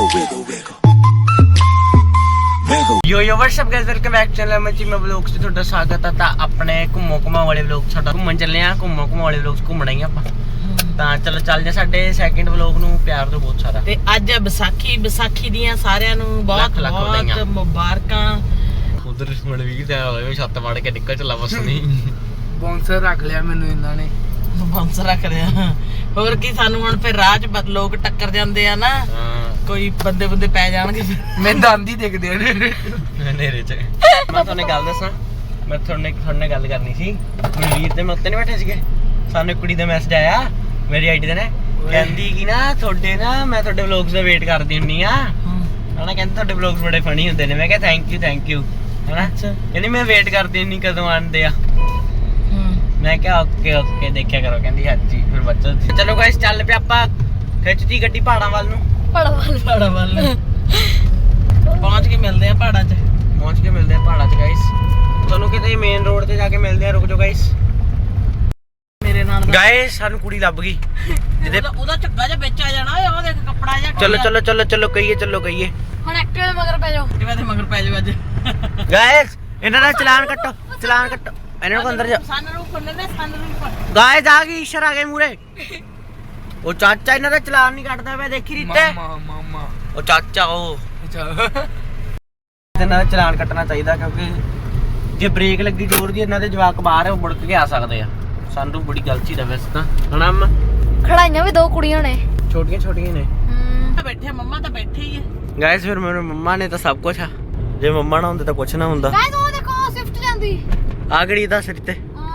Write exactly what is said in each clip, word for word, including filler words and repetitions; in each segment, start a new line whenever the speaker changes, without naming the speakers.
यो yo WhatsApp guys welcome back channel में जी मैं व्लॉग्स ਤੇ ਤੁਹਾਡਾ ਸਵਾਗਤ ਹੈ। ਤਾਂ ਆਪਣੇ ਘੁੰਮੋ ਘੁਮਾ ਵਾਲੇ ਵਲੌਗ ਸਾਡਾ ਘੁੰਮਣ ਚੱਲੇ ਆ ਘੁੰਮੋ ਘੁਮਾ ਵਾਲੇ ਵਲੌਗਸ ਘੁੰਮਣਾ ਹੀ ਆਪਾਂ। ਤਾਂ ਚਲੋ ਚੱਲ ਜਾ ਸਾਡੇ ਸੈਕਿੰਡ ਵਲੌਗ ਨੂੰ ਪਿਆਰ ਤੋਂ ਬਹੁਤ ਸਾਰਾ।
ਤੇ ਅੱਜ ਵਿਸਾਖੀ ਵਿਸਾਖੀ ਦੀਆਂ ਸਾਰਿਆਂ ਨੂੰ ਬਹੁਤ ਬਹੁਤ ਮੁਬਾਰਕਾਂ।
ਉਧਰ ਮਨਵੀਰ ਦਾ ਹੋਵੇ ਛੱਤ ਮਾਰ ਕੇ ਨਿਕਲ ਚੱਲਾ ਬਸ ਨਹੀਂ
ਬੌਂਸਰ ਰੱਖ ਲਿਆ ਮੈਨੂੰ ਇਹਨਾਂ ਨੇ
ਬੰਸ ਰੱਖ ਲਿਆ। ਹੋਰ ਕੀ ਸਾਨੂੰ ਹੁਣ ਫਿਰ ਰਾਹ 'ਚ ਲੋਕ ਟੱਕਰ ਜਾਂਦੇ ਆ ਨਾ, ਕੋਈ ਬੰਦੇ ਬੰਦੇ ਪੈ ਜਾਣਗੇ।
ਮੈਂ ਦੰਦ ਹੀ ਦਿਖਦੇ ਨੇ
ਹਨੇਰੇ 'ਚ। ਮੈਂ ਤੁਹਾਨੂੰ ਗੱਲ ਦੱਸਾਂ, ਮੈਂ ਤੁਹਾਡੇ ਤੁਹਾਡੇ ਨਾਲ ਗੱਲ ਕਰਨੀ ਸੀ। ਮਨਵੀਰ ਤੇ ਮੈਂ ਉੱਤੇ ਨਹੀਂ ਬੈਠੇ ਸੀਗੇ, ਸਾਨੂੰ ਇੱਕ ਕੁੜੀ ਦਾ ਮੈਸੇਜ ਆਇਆ ਮੇਰੀ ਆਈਡੀ ਦੇ ਨੇ, ਕਹਿੰਦੀ ਕਿ ਨਾ ਤੁਹਾਡੇ ਨਾ ਮੈਂ ਤੁਹਾਡੇ ਵਲੌਗਸ ਦਾ ਵੇਟ ਕਰਦੀ ਹੁੰਨੀ ਆ ਹਨਾ। ਕਹਿੰਦੀ ਤੁਹਾਡੇ ਵਲੌਗਸ ਬੜੇ ਫਨੀ ਹੁੰਦੇ ਨੇ। ਮੈਂ ਕਿਹਾ ਥੈਂਕ ਯੂ ਥੈਂਕ ਯੂ ਹਨਾ। ਕਹਿੰਦੀ ਮੈਂ ਵੇਟ ਕਰਦੀ ਹੁੰਨੀ ਕਦੋਂ ਆਉਂਦੇ ਆ। ਮੈਂ ਕਿਹਾ ਓਕੇ ਓਕੇ ਦੇਖਿਆ ਕਰੋ। ਕਹਿੰਦੀ ਹਾਂਜੀ। ਫਿਰ ਬੱਚਾ ਚਲੋ ਗਾਇਸ ਚੱਲ ਪਿਆ ਆਪਾਂ ਖਿੱਚਦੀ ਗੱਡੀ ਪਹਾੜਾਂ ਵੱਲ ਨੂੰ।
ਪਹਾੜਾਂ ਵੱਲ ਪਹਾੜਾਂ ਵੱਲ ਪਹੁੰਚ ਕੇ ਮਿਲਦੇ ਆ ਪਹਾੜਾਂ 'ਚ।
ਪਹੁੰਚ ਕੇ ਮਿਲਦੇ ਆ ਪਹਾੜਾਂ 'ਚ ਗਾਇਸ। ਤੁਹਾਨੂੰ ਕਿਤੇ ਮੇਨ ਰੋਡ ਤੇ ਜਾ ਕੇ ਮਿਲਦੇ ਆ। ਰੁਕ ਜਾਓ ਗਾਇਸ।
ਮੇਰੇ ਨਾਲ
ਗਾਇਸ ਸਾਨੂੰ ਕੁੜੀ ਲੱਭ ਗਈ ਜਿਹਦੇ
ਉਹਦਾ ਝੱਗਾ ਜਿਹਾ ਵਿੱਚ ਆ ਜਾਣਾ। ਉਹ ਦੇਖ ਕੱਪੜਾ ਜਿਹਾ।
ਚਲੋ ਚਲੋ ਚਲੋ ਚਲੋ ਕਹੀਏ ਚਲੋ ਕਹੀਏ।
ਹੁਣ ਐਕਟਿਵ ਮਗਰ ਪੈ ਜਾਓ। ਕਿਵੇਂ ਤੇ ਮਗਰ ਪੈ ਜਾਓ ਅੱਜ।
ਗਾਇਸ ਇਹਨਾਂ ਦਾ ਚਲਾਨ ਕੱਟੋ ਚਲਾਨ ਕੱਟੋ। ਇਹਨਾਂ ਨੂੰ ਅੰਦਰ ਜਾ।
ਸਾਨੂੰ ਨੂੰ ਖੋਲਣੇ ਨੇ ਸਾਨੂੰ ਨੂੰ।
ਗਾਇਸ ਆ ਗਈ ਇਸ਼ਰ ਆ ਗਏ ਮੂਰੇ। ਉਹ ਚਾਚਾ ਇਹਨਾਂ ਦਾ ਚਲਾਨ ਨਹੀਂ ਕੱਟਦਾ ਪਿਆ। ਦੇਖੀ ਰੀਤੇ
ਮਾਮਾ ਮਾਮਾ
ਉਹ ਚਾਚਾ ਉਹ ਇਹਨਾਂ ਦਾ ਚਲਾਨ ਕੱਟਣਾ ਚਾਹੀਦਾ ਕਿਉਂਕਿ ਜੇ ਬ੍ਰੇਕ ਲੱਗੀ ਜ਼ੋਰ ਦੀ ਇਹਨਾਂ ਦੇ ਜਵਾਕ ਬਾਹਰ ਮੁੜ ਕੇ ਆ ਸਕਦੇ ਆ। ਸਾਨੂੰ ਬੜੀ ਗਲਤੀ ਦਾ ਵੈਸੇ ਤਾਂ ਹਨਾ। ਅੰਮਾ
ਖੜਾਈਆਂ ਵੀ ਦੋ ਕੁੜੀਆਂ ਨੇ,
ਛੋਟੀਆਂ ਛੋਟੀਆਂ ਨੇ।
ਹੂੰ ਬੈਠੇ ਮੰਮਾ ਤਾਂ ਬੈਠੇ ਹੀ ਆ
ਗਾਇਸ। ਫਿਰ ਮੇਰੇ ਮੰਮਾ ਨੇ ਤਾਂ ਸਭ ਕੁਝ ਆ। ਜੇ ਮੰਮਾ ਨਾ ਹੁੰਦੇ ਤਾਂ ਕੁਝ ਨਾ ਹੁੰਦਾ।
ਗਾਇਸ ਉਹ ਦੇਖੋ ਸਵਿਫਟ ਜਾਂਦੀ
ਆ ਗੜੀ ਦਾ ਸਿਰ ਤੇ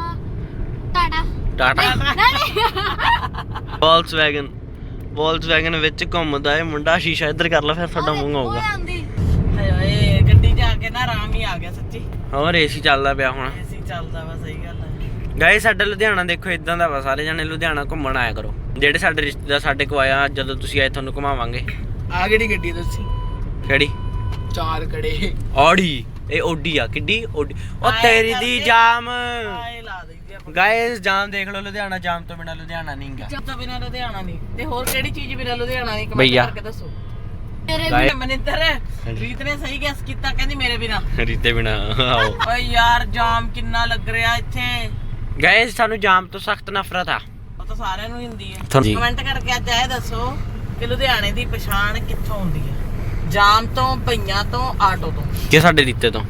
ਟਾਟਾ
ਟਾਟਾ
ਨਹੀਂ
ਵੋਲਕਸਵੈਗਨ ਵੋਲਕਸਵੈਗਨ ਵਿੱਚ ਘੁੰਮਦਾ ਏ ਮੁੰਡਾ। ਸ਼ੀਸ਼ਾ ਇੱਧਰ ਕਰ ਲਾ ਫਿਰ ਤੁਹਾਡਾ ਮੂੰਹ ਆਊਗਾ।
ਹਾਏ ਓਏ ਗੱਡੀ 'ਚ ਆ ਕੇ ਨਾ ਆਰਾਮ ਹੀ ਆ ਗਿਆ ਸੱਚੀ।
ਹੋਰ ਏਸੀ ਚੱਲਦਾ ਪਿਆ ਹੁਣ।
ਏਸੀ ਚੱਲਦਾ ਵਾ ਸਹੀ ਗੱਲ ਹੈ।
ਗਾਇਸ ਸਾਡਾ ਲੁਧਿਆਣਾ ਦੇਖੋ ਇਦਾਂ ਦਾ ਵਾ। ਸਾਰੇ ਜਣੇ ਲੁਧਿਆਣਾ ਘੁੰਮਣ ਆਇਆ ਕਰੋ। ਜਿਹੜੇ ਸਾਡੇ ਰਿਸ਼ਤੇਦਾਰ ਸਾਡੇ ਕੋ ਆਇਆ ਜਦੋਂ ਤੁਸੀਂ ਆਏ ਤੁਹਾਨੂੰ ਘੁਮਾਵਾਂਗੇ।
ਆ ਕਿਹੜੀ ਗੱਡੀ ਦੱਸੀ?
ਕਿਹੜੀ?
ਚਾਰ ਕੜੇ
ਔਡੀ। ਇਹ ਓਡੀ ਆ ਕਿੱਡੀ ਓਡੀ। ਉਹ ਤੇਰੀ ਦੀ ਜਾਮ।
ਆਏ ਲਾ ਦਈਦੀ ਆਪਾਂ।
ਗਾਇਸ ਜਾਮ ਦੇਖ ਲਓ ਲੁਧਿਆਣਾ। ਜਾਮ ਤੋਂ ਬਿਨਾ ਲੁਧਿਆਣਾ ਨਹੀਂ ਗਾ।
ਜਾਮ ਤੋਂ ਬਿਨਾ ਲੁਧਿਆਣਾ ਨਹੀਂ। ਤੇ ਹੋਰ ਕਿਹੜੀ ਚੀਜ਼ ਬਿਨਾ ਲੁਧਿਆਣਾ ਨਹੀਂ? ਕਮੈਂਟ
ਭਈਆ।
ਕਰਕੇ ਦੱਸੋ।
ਤੇਰੇ
ਗਾਇਸ
ਮਨਿੰਦਰ ਰੀਤ ਨੇ ਸਹੀ ਗੈਸ ਕੀਤਾ। ਕਹਿੰਦੀ ਮੇਰੇ ਬਿਨਾ।
ਰੀਤੇ ਬਿਨਾ ਆਓ।
ਓਏ ਯਾਰ ਜਾਮ ਕਿੰਨਾ ਲੱਗ ਰਿਹਾ ਇੱਥੇ।
ਗਾਇਸ ਸਾਨੂੰ ਜਾਮ ਤੋਂ ਸਖਤ ਨਫ਼ਰਤ ਆ।
ਉਹ ਤਾਂ ਸਾਰਿਆਂ ਨੂੰ ਹੀ ਹੁੰਦੀ ਹੈ।
ਹਾਂਜੀ।
ਕਮੈਂਟ ਕਰਕੇ ਅੱਜ ਇਹ ਦੱਸੋ ਕਿ ਲੁਧਿਆਣੇ ਦੀ ਪਛਾਣ ਕਿੱਥੋਂ ਹੁੰਦੀ ਹੈ? ਜਾਮ ਤੋਂ, ਭਈਆਂ ਤੋਂ, ਆਟੋ ਤੋਂ
ਕਿ ਸਾਡੇ ਰੀਤੇ ਤੋਂ?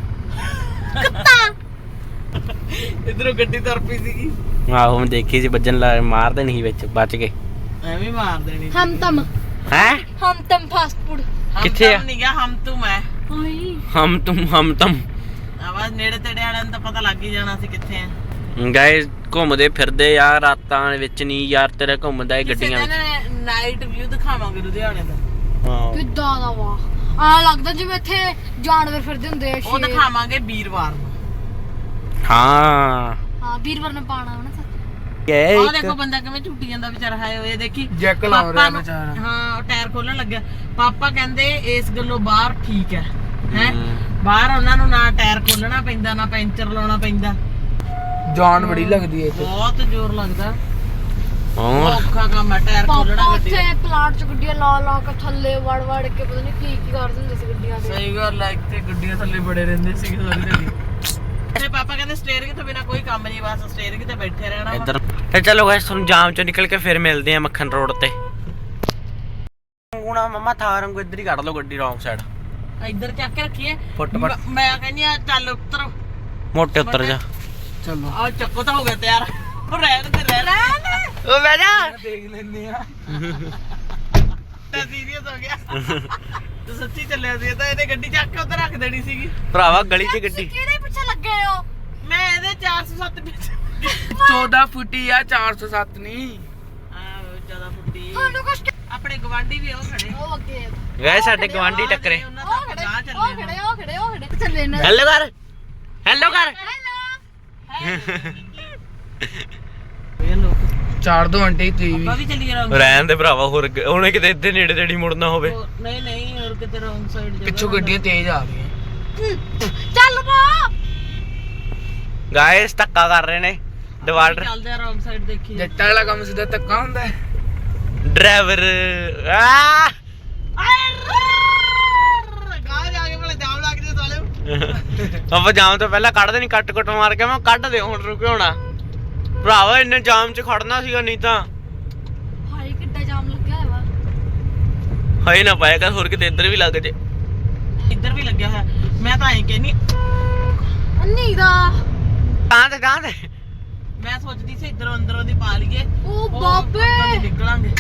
ਇਧਰੋਂ ਗੱਡੀ ਤੁਰ ਪਈ ਸੀਗੀ।
ਆਹੋ ਮੈਂ ਦੇਖੀ ਸੀ ਵੱਜਣ ਲਾ ਮਾਰ ਦੇਣੀ ਸੀ ਵਿੱਚ ਬਚ ਕੇ।
ਐਵੇਂ ਮਾਰ ਦੇਣੀ।
ਹਮ ਤਮ
ਹੈ
ਹਮ ਤਮ ਫਾਸਟ ਫੂਡ
ਕਿੱਥੇ ਆ?
ਨਹੀਂ ਗਿਆ ਹਮ ਤੂੰ ਮੈਂ।
ਓਏ
ਹਮ ਤੁਮ ਹਮ ਤੁਮ।
ਆਵਾਜ਼ ਨੇੜੇ ਤੇੜੇ ਵਾਲਿਆਂ ਨੂੰ ਤਾਂ ਪਤਾ ਲੱਗ ਹੀ ਜਾਣਾ ਸੀ ਕਿੱਥੇ ਆ।
ਗਾਇਸ ਘੁੰਮਦੇ ਫਿਰਦੇ ਯਾਰ ਰਾਤਾਂ ਵਿੱਚ ਨਹੀਂ ਯਾਰ ਤੇਰਾ ਘੁੰਮਦਾ ਇਹ ਗੱਡੀਆਂ ਵਿੱਚ।
ਨਾਈਟ ਵਿਊ ਦਿਖਾਵਾਂਗੇ ਲੁਧਿਆਣੇ ਦਾ।
ਹਾਂ
ਕਿੱਦਾਂ ਦਾ ਵਾ। ਆ ਲੱਗਦਾ ਜਿਵੇਂ ਇੱਥੇ ਜਾਨਵਰ ਫਿਰਦੇ ਹੁੰਦੇ ਆ।
ਉਹ ਦਿਖਾਵਾਂਗੇ ਵੀਰਵਾਰ ਨੂੰ।
ਹਾਂ
ਹਾਂ ਵੀਰਵਾਰ ਨੂੰ ਪਾਣਾ ਹੋਣਾ ਸੱਚ।
ਇਹ
ਆਹ ਦੇਖੋ ਬੰਦਾ ਕਿਵੇਂ ਝੁੱਟੀ ਜਾਂਦਾ ਵਿਚਾਰਾ। ਹਾਏ ਓਏ ਦੇਖੀ
ਜੈਕ ਲਾ ਰਿਹਾ
ਨੂੰ-
ਵਿਚਾਰਾ।
ਹਾਂ ਉਹ ਟਾਇਰ ਖੋਲਣ ਲੱਗਿਆ। ਪਾਪਾ ਕਹਿੰਦੇ ਇਸ ਗੱਲੋਂ ਬਾਹਰ ਠੀਕ ਹੈ ਹੈ। ਬਾਹਰ ਉਹਨਾਂ ਨੂੰ ਨਾ ਟਾਇਰ ਖੋਲਣਾ ਪੈਂਦਾ ਨਾ ਪੈਂਚਰ ਲਾਉਣਾ ਪੈਂਦਾ।
ਜਾਨ ਬੜੀ ਲੱਗਦੀ ਐ ਇੱਥੇ।
ਬਹੁਤ ਜ਼ੋਰ ਲੱਗਦਾ।
ਹੋਰ
ਔਖਾ ਕੰਮ ਹੈ ਟਾਇਰ ਖੋਲਣਾ
ਪਾਪਾ
ਗੱਡੀ
ਉੱਥੇ
ਦਾ।
ਪਲਾਟ ਚ ਗੱਡੀਆਂ ਲਾ ਲਾ ਕੇ ਥੱਲੇ ਵੜ ਵੜ ਕੇ ਪਤਾ ਨਹੀਂ ਕੀ ਕੀ ਕਰਦੇ ਹੁੰਦੇ ਸੀ ਗੱਡੀਆਂ ਦੇ।
ਸਹੀ ਗੱਲ ਹੈ। ਇੱਥੇ ਗੱਡੀਆਂ ਥੱਲੇ ਬੜੇ ਰਹਿੰਦੇ ਸੀ ਸਾਰੀ ਦਿਹਾੜੀ। ਤੇ ਪਾਪਾ ਕਹਿੰਦੇ ਸਟੀਅਰਿੰਗ ਤੋਂ ਬਿਨਾ ਕੋਈ ਕੰਮ ਨਹੀਂ, ਬਸ ਸਟੀਅਰਿੰਗ ਤੇ ਬੈਠੇ ਰਹਿਣਾ।
ਇੱਧਰ ਤੇ ਚਲੋ ਗਾਇਸ ਤੁਹਾਨੂੰ ਜਾਮ ਚੋਂ ਨਿਕਲ ਕੇ ਫਿਰ ਮਿਲਦੇ ਆ ਮੱਖਣ ਰੋਡ ਤੇ। ਗੁਣਾ ਮਮਾ ਥਾਰ ਨੂੰ ਇੱਧਰ ਹੀ ਕੱਢ ਲਓ ਗੱਡੀ ਰੌਂਗ ਸਾਈਡ।
ਇੱਧਰ ਚੱਕ ਕੇ ਰੱਖੀਏ।
ਫੁੱਟ ਫੁੱਟ
ਮੈਂ ਕਹਿੰਦੀ ਆ ਚੱਲ ਉੱਤਰ
ਮੋਟੇ ਉੱਤਰ ਜਾ।
ਚਲੋ
ਆ ਚੱਕੋ ਤਾਂ ਹੋ ਗਿਆ ਤਿਆਰ। ਉਹ ਰਹਿਣ ਦੇ ਰਹਿਣ
ਉਹ ਬਹਿ ਜਾ।
ਦੇਖ ਲੈਂਦੇ ਆ।
ਤਾਂ ਸੀਰੀਅਸ ਹੋ ਗਿਆ। ਤੂੰ ਸੱਚੀ ਚੱਲਿਆ ਸੀ ਤਾਂ ਇਹਨੇ ਗੱਡੀ ਚੱਕ ਕੇ ਉੱਧਰ ਰੱਖ ਦੇਣੀ ਸੀਗੀ।
ਭਰਾਵਾ ਗਲੀ 'ਚ ਗੱਡੀ।
ਕਿਹੜੇ ਪਿੱਛੇ ਲੱਗੇ ਹੋ?
ਮੈਂ ਇਹਦੇ ਚਾਰ ਸੌ ਸੱਤ ਵਿੱਚ
ਚੌਦਾਂ ਫੁੱਟੀ ਆ ਚਾਰ ਸੌ ਸੱਤ ਨਹੀਂ।
ਆ ਜ਼ਿਆਦਾ ਫੁੱਟੀ।
ਤੁਹਾਨੂੰ ਕੁਛ
ਆਪਣੇ ਗਵਾਂਢੀ ਵੀ ਉਹ ਖੜੇ।
ਉਹ ਅੱਗੇ
ਗਾਇਸ ਸਾਡੇ ਗਵਾਂਢੀ ਟੱਕਰੇ।
ਉਹਨਾਂ
ਉਹ
ਦਾ
ਖੜੇ
ਗਾਂ
ਉਹ
ਚੱਲੇ
ਖੜੇ ਉਹ ਖੜੇ ਉਹ ਖੜੇ ਚੱਲੇ ਨਾ।
ਹੈਲੋ ਕਰ ਹੈਲੋ ਕਰ।
ਇਹ ਲੋਕ
ਚਾਰ ਦੋ ਘੰਟੇ ਹੀ ਤੁਸੀਂ
ਆਪਾਂ
ਵੀ।
ਵੀ ਚੱਲੀਏ ਰੌਂਗ
ਰਹਿਣ ਦੇ ਭਰਾਵਾ ਹੋਰ ਉਹਨੇ ਕਿਤੇ ਇੱਥੇ ਨੇੜੇ ਤੇੜੀ ਮੁੜਨਾ ਹੋਵੇ।
ਨਹੀਂ ਨਹੀਂ ਹੋਰ ਕਿਤੇ ਰੌਂਗ ਸਾਈਡ ਜਾ।
ਪਿੱਛੋਂ ਗੱਡੀਆਂ ਤੇਜ਼ ਆ ਰਹੀਆਂ।
ਚੱਲ ਪਾ।
ਗਾਇਸ ਧੱਕਾ ਕਰ ਰਹੇ ਨੇ ਡਿਵਾਈਡਰ।
ਚੱਲਦੇ ਆ ਰੌਂਗ ਸਾਈਡ ਦੇਖੀ।
ਜੱਟਾਂ ਵਾਲਾ ਕੰਮ ਸਿੱਧਾ ਧੱਕਾ ਹੁੰਦਾ ਹੈ।
ਡਰਾਈਵਰ ਆ
ਆਏ
ਆਪਾਂ ਜਾਮ ਤੋਂ ਪਹਿਲਾਂ ਕੱਢਦੇ ਨਹੀਂ, ਕੱਟ ਕੁੱਟ ਮਾਰ ਕੇ ਮੈਂ ਕੱਢ ਦੇ ਹੁਣ ਰੁਕੇ ਹੋਣਾ ਭਰਾਵਾ, ਇੰਨੇ ਜਾਮ 'ਚ ਖੜਨਾ ਸੀਗਾ ਨਹੀਂ ਤਾਂ
ਹਾਏ ਕਿੱਡਾ ਜਾਮ ਲੱਗਿਆ ਹੋਇਆ ਵਾ।
ਹਾਏ ਨਾ ਪਾਇਆ ਕਰ, ਹੋਰ ਕਿਤੇ ਇੱਧਰ ਵੀ ਲੱਗ ਜੇ।
ਇੱਧਰ ਵੀ ਲੱਗਿਆ ਹੋਇਆ, ਮੈਂ ਤਾਂ ਐਂ ਕਹਿੰਨੀ
ਅੰਨੀ ਦਾ
ਤਾਂ ਤੇ ਤਾਂ ਤੇ
ਮੈਂ ਸੋਚਦੀ ਸੀ ਇੱਧਰੋਂ ਅੰਦਰੋਂ ਦੀ ਪਾ ਲਈਏ,
ਉਹ
ਉਹ
ਬਾਬੇ
ਉੱਤੋਂ ਦੀ ਨਿਕਲਾਂਗੇ।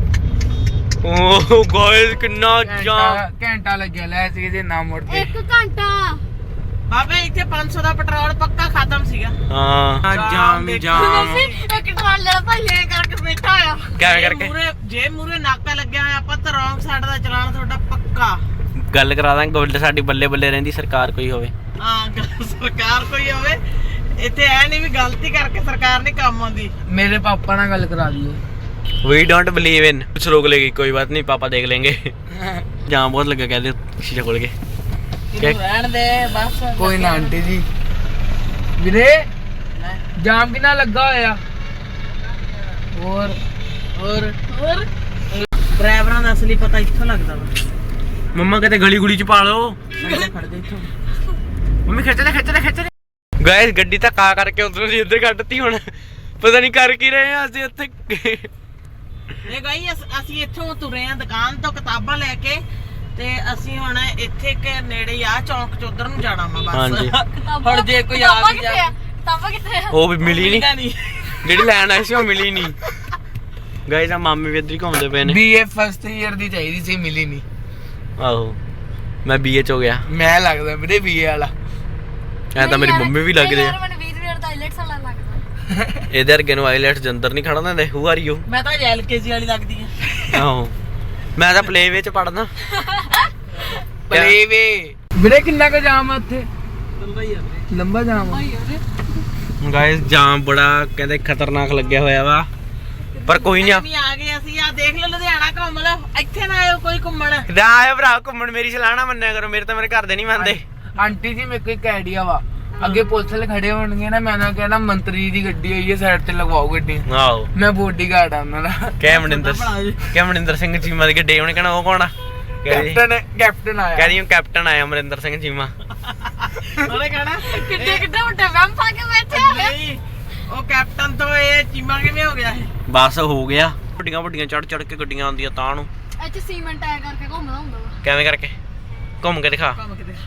ਓ ਗਾਇਸ ਕਿੰਨਾ ਜਾਮ।
ਘੰਟਾ ਘੰਟਾ ਲੱਗਿਆ ਲੈ ਸੀ ਜੇ ਨਾ ਮੁੜਦੇ।
ਇੱਕ ਘੰਟਾ
ਬਾਬੇ ਇੱਥੇ ਪੰਜ ਸੌ ਦਾ ਪੈਟਰੋਲ ਪੱਕਾ ਖਤਮ ਸੀਗਾ।
ਹਾਂ ਜਾਮ ਹੀ ਜਾਮ।
ਅਸੀਂ ਇੱਕ ਟਰਾਲੇ ਦਾ ਭਾਈ ਐ ਕਰਕੇ ਬੈਠਾ ਆ।
ਕਿਵੇਂ ਕਰਕੇ
ਮੂਰੇ ਜੇ ਮੂਰੇ ਨਾਕਾ ਲੱਗਿਆ ਹੋਇਆ, ਆਪਾਂ ਤਾਂ ਰੌਂਗ ਸਾਈਡ ਦਾ ਚਲਾਨ ਤੁਹਾਡਾ ਪੱਕਾ।
ਗੱਲ ਕਰਾ ਦਾਂਗੇ, ਗੋਲਡ ਸਾਡੀ ਬੱਲੇ ਬੱਲੇ ਰਹਿੰਦੀ, ਸਰਕਾਰ ਕੋਈ ਹੋਵੇ।
ਹਾਂ ਗੱਲ ਸਰਕਾਰ ਕੋਈ ਹੋਵੇ ਇੱਥੇ, ਐ ਨਹੀਂ ਵੀ ਗਲਤੀ ਕਰਕੇ ਸਰਕਾਰ ਨਹੀਂ ਕੰਮ ਆਉਂਦੀ।
ਮੇਰੇ ਪਾਪਾ ਨਾਲ ਗੱਲ ਕਰਾ ਦਿਓ।
We don't believe in कुछ रोक लेगी, कोई बात नहीं, पापा देख लेंगे। जहाँ बहुत लगा कहते शीशा खोल के।
ਇਹਨੂੰ ਰਹਿਣ ਦੇ ਬਸ।
ਕੋਈ ਨਾ ਆਂਟੀ ਜੀ। ਵੀਰੇ ਜਾਮ ਕਿੰਨਾ ਲੱਗਾ ਹੋਇਆ। ਹੋਰ
ਹੋਰ ਹੋਰ ਡਰਾਈਵਰਾਂ ਦਾ ਅਸਲੀ ਪਤਾ ਇੱਥੋਂ ਲੱਗਦਾ ਵਾ।
मम्मा कहते गली गुली च पा लो।
ਖੜ ਜਾ ਇੱਥੋਂ।
मम्मी खिंच ले खिंच ले खिंच ले। गाइस गड्डी ਤਾਂ ਕਾ ਕਰਕੇ ਉਧਰੋਂ ਦੀ ਇੱਧਰ ਕੱਢਤੀ, ਹੁਣ ਪਤਾ ਨਹੀਂ ਕਰ ਕੀ ਰਹੇ ਆ ਅਸੀਂ ਉੱਥੇ।
ਇਹ ਗਈ ਅਸੀਂ ਇੱਥੋਂ ਤੁਰੇ ਆ ਦੁਕਾਨ ਤੋਂ ਕਿਤਾਬਾਂ ਲੈ ਕੇ, ਤੇ ਅਸੀਂ ਹੁਣ ਇੱਥੇ ਕਿ ਨੇੜੇ ਆ ਚੌਂਕ ਚ ਉਧਰ ਨੂੰ ਜਾਣਾ ਵਾ
ਹਾਂਜੀ।
ਬਸ। ਹੁਣ ਜੇ ਕੋਈ ਆ ਵੀ ਜਾ,
ਕਿਤਾਬਾਂ ਕਿੱਥੇ ਆ?
ਉਹ ਵੀ ਮਿਲੀ
ਨਹੀਂ
ਨਹੀਂ, ਜਿਹੜੀ ਲੈਣ ਆਈ ਸੀ ਉਹ ਮਿਲੀ ਨਹੀਂ। ਗਾਇਸ ਆ ਮਾਮੇ ਵੀ ਇੱਧਰ ਹੀ ਘੁੰਮਦੇ ਪਏ ਨੇ।
ਬੀਏ ਫਸਟ ਈਅਰ ਦੀ ਚਾਹੀਦੀ ਸੀ, ਮਿਲੀ ਨਹੀਂ।
ਆਹੋ ਮੈਂ ਬੀਏ ਚ ਹੋ ਗਿਆ।
ਮੈਂ ਲੱਗਦਾ ਵੀਰੇ ਬੀਏ ਵਾਲਾ।
ਐ ਤਾਂ ਮੇਰੀ ਮੰਮੀ ਵੀ ਲੱਗ ਰਹੀ ਆ।
ਮੈਨੂੰ ਵੀਹ ਮਿੰਟ ਦਾ ਆਈਲੈਟਸ ਵਾਲਾ ਲੱਗਦਾ।
ਇਹਦੇ ਵਰਗੇ ਨੂੰ ਆਈਲੈਟਸ ਜੰਦਰ ਨਹੀਂ ਖੜਾ ਦਿੰਦੇ। Who are you?
ਮੈਂ ਤਾਂ ਐਲਕੇਜੀ ਵਾਲੀ ਲੱਗਦੀ ਆ।
ਆਹੋ ਮੈਂ ਤਾਂ ਪਲੇ ਵਿੱਚ ਪੜਦਾ।
ਪਲੇ ਵੇ ਵੀਰੇ ਕਿੰਨਾ ਕੁ ਜਾਮ ਆ ਉੱਥੇ? ਲੰਬਾ ਜਾਮ ਆ।
ਗਾਇਸ ਜਾਮ ਬੜਾ ਕਹਿੰਦੇ ਖਤਰਨਾਕ ਲੱਗਿਆ ਹੋਇਆ ਵਾ, ਪਰ ਕੋਈ ਨਹੀਂ।
ਨਹੀਂ ਆ ਗਏ ਅਸੀਂ, ਆ ਦੇਖ ਲਓ ਲੁਧਿਆਣਾ ਘੁੰਮ ਲਓ, ਇੱਥੇ ਨਾ ਆਇਓ ਕੋਈ ਘੁੰਮਣ।
ਨਾ ਆਏ ਭਰਾ ਘੁੰਮਣ, ਮੇਰੀ ਸਲਾਹ ਮੰਨਿਆ ਕਰੋ, ਮੇਰੇ ਤਾਂ ਮੇਰੇ ਘਰ ਦੇ ਨਹੀਂ ਮੰਨਦੇ।
ਆਂਟੀ ਜੀ ਮੇਰੇ ਕੋਲ ਇੱਕ ਆਈਡੀਆ ਵਾ। ਅੱਗੇ ਪੁਲਿਸ ਵਾਲੇ ਖੜੇ ਹੋਣਗੇ ਨਾ, ਮੈਂ ਨਾ ਕਹਿਣਾ ਮੰਤਰੀ ਦੀ ਗੱਡੀ ਆਈ ਹੈ, ਸਾਈਡ ਤੇ ਲਗਵਾਓ ਗੱਡੀ।
ਆਹੋ
ਮੈਂ ਬੋਡੀਗਾਰਡ ਆ ਉਹਨਾਂ ਦਾ।
ਕਹਿ ਮਨਿੰਦਰ ਕਹਿ ਮਨਿੰਦਰ ਸਿੰਘ ਚੀਮਾ ਦੇ ਗੱਡੇ ਉਹਨੇ ਕਹਿਣਾ ਉਹ ਕੌਣ ਆ?
ਕੈਪਟਨ ਕੈਪਟਨ ਆਇਆ।
ਕਹਿੰਦੀ ਕੈਪਟਨ ਆਇਆ ਅਮਰਿੰਦਰ ਸਿੰਘ ਚੀਮਾ।
ਉਹਨੇ ਕਹਣਾ
ਕਿੱਡੇ ਕਿੱਡੇ ਵੱਡੇ ਵੰਮ ਪਾ ਕੇ ਬੈਠੇ ਆ।
ਨਹੀਂ, ਉਹ ਕੈਪਟਨ ਤੋਂ ਇਹ ਚੀਮਾ ਕਿਵੇਂ ਹੋ ਗਿਆ? ਇਹ
ਬਸ ਹੋ ਗਿਆ। ਵੱਡੀਆਂ ਵੱਡੀਆਂ ਚੜ ਚੜ ਕੇ ਗੱਡੀਆਂ ਆਉਂਦੀਆਂ ਤਾਂ ਨੂੰ।
ਇੱਥੇ ਸੀਮੈਂਟ ਆਇਆ ਕਰਕੇ ਘੁੰਮਦਾ ਹੁੰਦਾ ਵਾ।
ਕਿਵੇਂ ਕਰਕੇ ਘੁੰਮ ਕੇ ਦਿਖਾ।
ਘੁੰਮ ਕੇ ਦੇਖ।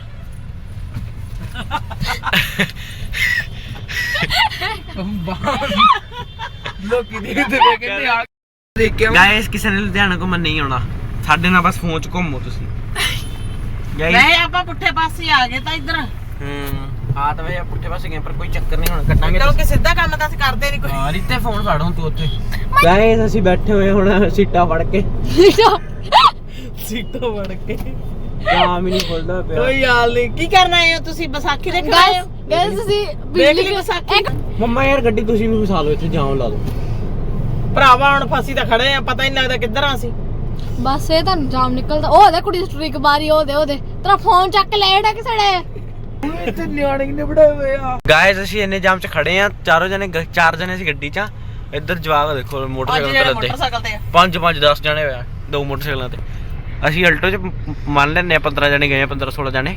ਲੋਕੀ ਦੇਖਦੇ ਵੇ ਕਹਿੰਦੇ ਆ ਦੇਖ ਕੇ
ਗਾਇਸ ਕਿਸੇ ਨੇ ਲੁਧਿਆਣਾ ਘੁੰਮਣ ਨਹੀਂ ਆਉਣਾ, ਸਾਡੇ ਨਾਲ ਬਸ ਫੋਨ ਚ ਘੁੰਮੋ ਤੁਸੀਂ।
ਨਹੀਂ ਆਪਾਂ ਪੁੱਠੇ ਪਾਸੇ ਆ ਗਏ ਤਾਂ ਇੱਧਰ।
ਹੂੰ ਆ ਤਾਂ ਵੇ ਪੁੱਠੇ ਪਾਸੇ ਗਏ, ਪਰ ਕੋਈ ਚੱਕਰ ਨਹੀਂ, ਹੁਣ ਕੱਟਾਂਗੇ।
ਚਲੋ ਕਿ ਸਿੱਧਾ ਕੰਮ ਤਾਂ ਅਸੀਂ ਕਰਦੇ ਨਹੀਂ ਕੋਈ।
ਹਾਂ ਰਿੱਤੇ ਫੋਨ ਫੜ ਹੁਣ ਤੂੰ ਉੱਥੇ। ਗਾਇਸ ਅਸੀਂ ਬੈਠੇ ਹੋਏ ਹੁਣ ਸੀਟਾਂ ਫੜ ਕੇ, ਸੀਟਾਂ ਫੜ ਕੇ ਜਾਮ ਹੀ ਨਹੀਂ ਖੁੱਲਦਾ ਪਿਆ।
ਕੋਈ ਹਾਲ ਨਹੀਂ। ਕੀ ਕਰਨਾ ਹੈ ਤੁਸੀਂ? ਵਿਸਾਖੀ ਦੇਖਣ ਆਏ ਹੋ?
ਗਾਇਸ ਤੁਸੀਂ
ਬਿਜਲੀ
ਬਿਜਲੀ
ਵਿਸਾਖੀ।
ਮੰਮਾ ਯਾਰ ਗੱਡੀ ਤੁਸੀਂ ਵੀ ਫਸਾ ਲਓ ਇੱਥੇ, ਜਾਮ ਲਾ ਦਿਓ।
ਭਰਾਵਾ ਹੁਣ ਫਾਸੀ ਤਾਂ ਖੜੇ ਆ, ਪਤਾ ਹੀ ਨਹੀਂ ਲੱਗਦਾ ਕਿੱਧਰ ਆ ਅਸੀਂ।
ਬਸ ਇਹ ਤੁਹਾਨੂੰ ਜਾਮ ਨਿਕਲਦਾ। ਉਹ ਉਹਦੇ ਕੁੜੀ ਸਟ੍ਰੀਕ ਮਾਰੀ, ਉਹਦੇ ਉਹਦੇ ਤੇਰਾ ਫੋਨ ਚੱਕ ਲੈ ਏਡਾ ਕਿਸੇ ਨੇ।
ਇੱਥੇ ਨਿਆਣੇ ਨੇ ਬੜਾਏ ਹੋਏ ਆ।
ਗਾਇਸ ਅਸੀਂ ਇੰਨੇ ਜਾਮ ਚ ਖੜੇ ਆ, ਚਾਰੋਂ ਜਣੇ ਚਾਰ ਜਣੇ ਸੀ ਗੱਡੀ ਚ। ਇੱਧਰ ਜਵਾਕ ਦੇਖੋ ਮੋਟਰਸਾਈਕਲ ਤੇ ਲੱਦੇ,
ਮੋਟਰਸਾਈਕਲ ਤੇ ਆ।
ਪੰਜ ਪੰਜ ਦਸ ਜਣੇ ਹੋਇਆ, ਦੋ ਮੋਟਰਸਾਈਕਲਾਂ ਤੇ। ਅਸੀਂ ਅਲਟੋ ਚ ਮੰਨ ਲੈਨੇ ਆ ਪੰਦਰਾਂ ਜਣੇ ਗਏ ਆ, ਪੰਦਰਾਂ ਸੋਲਾਂ ਜਣੇ।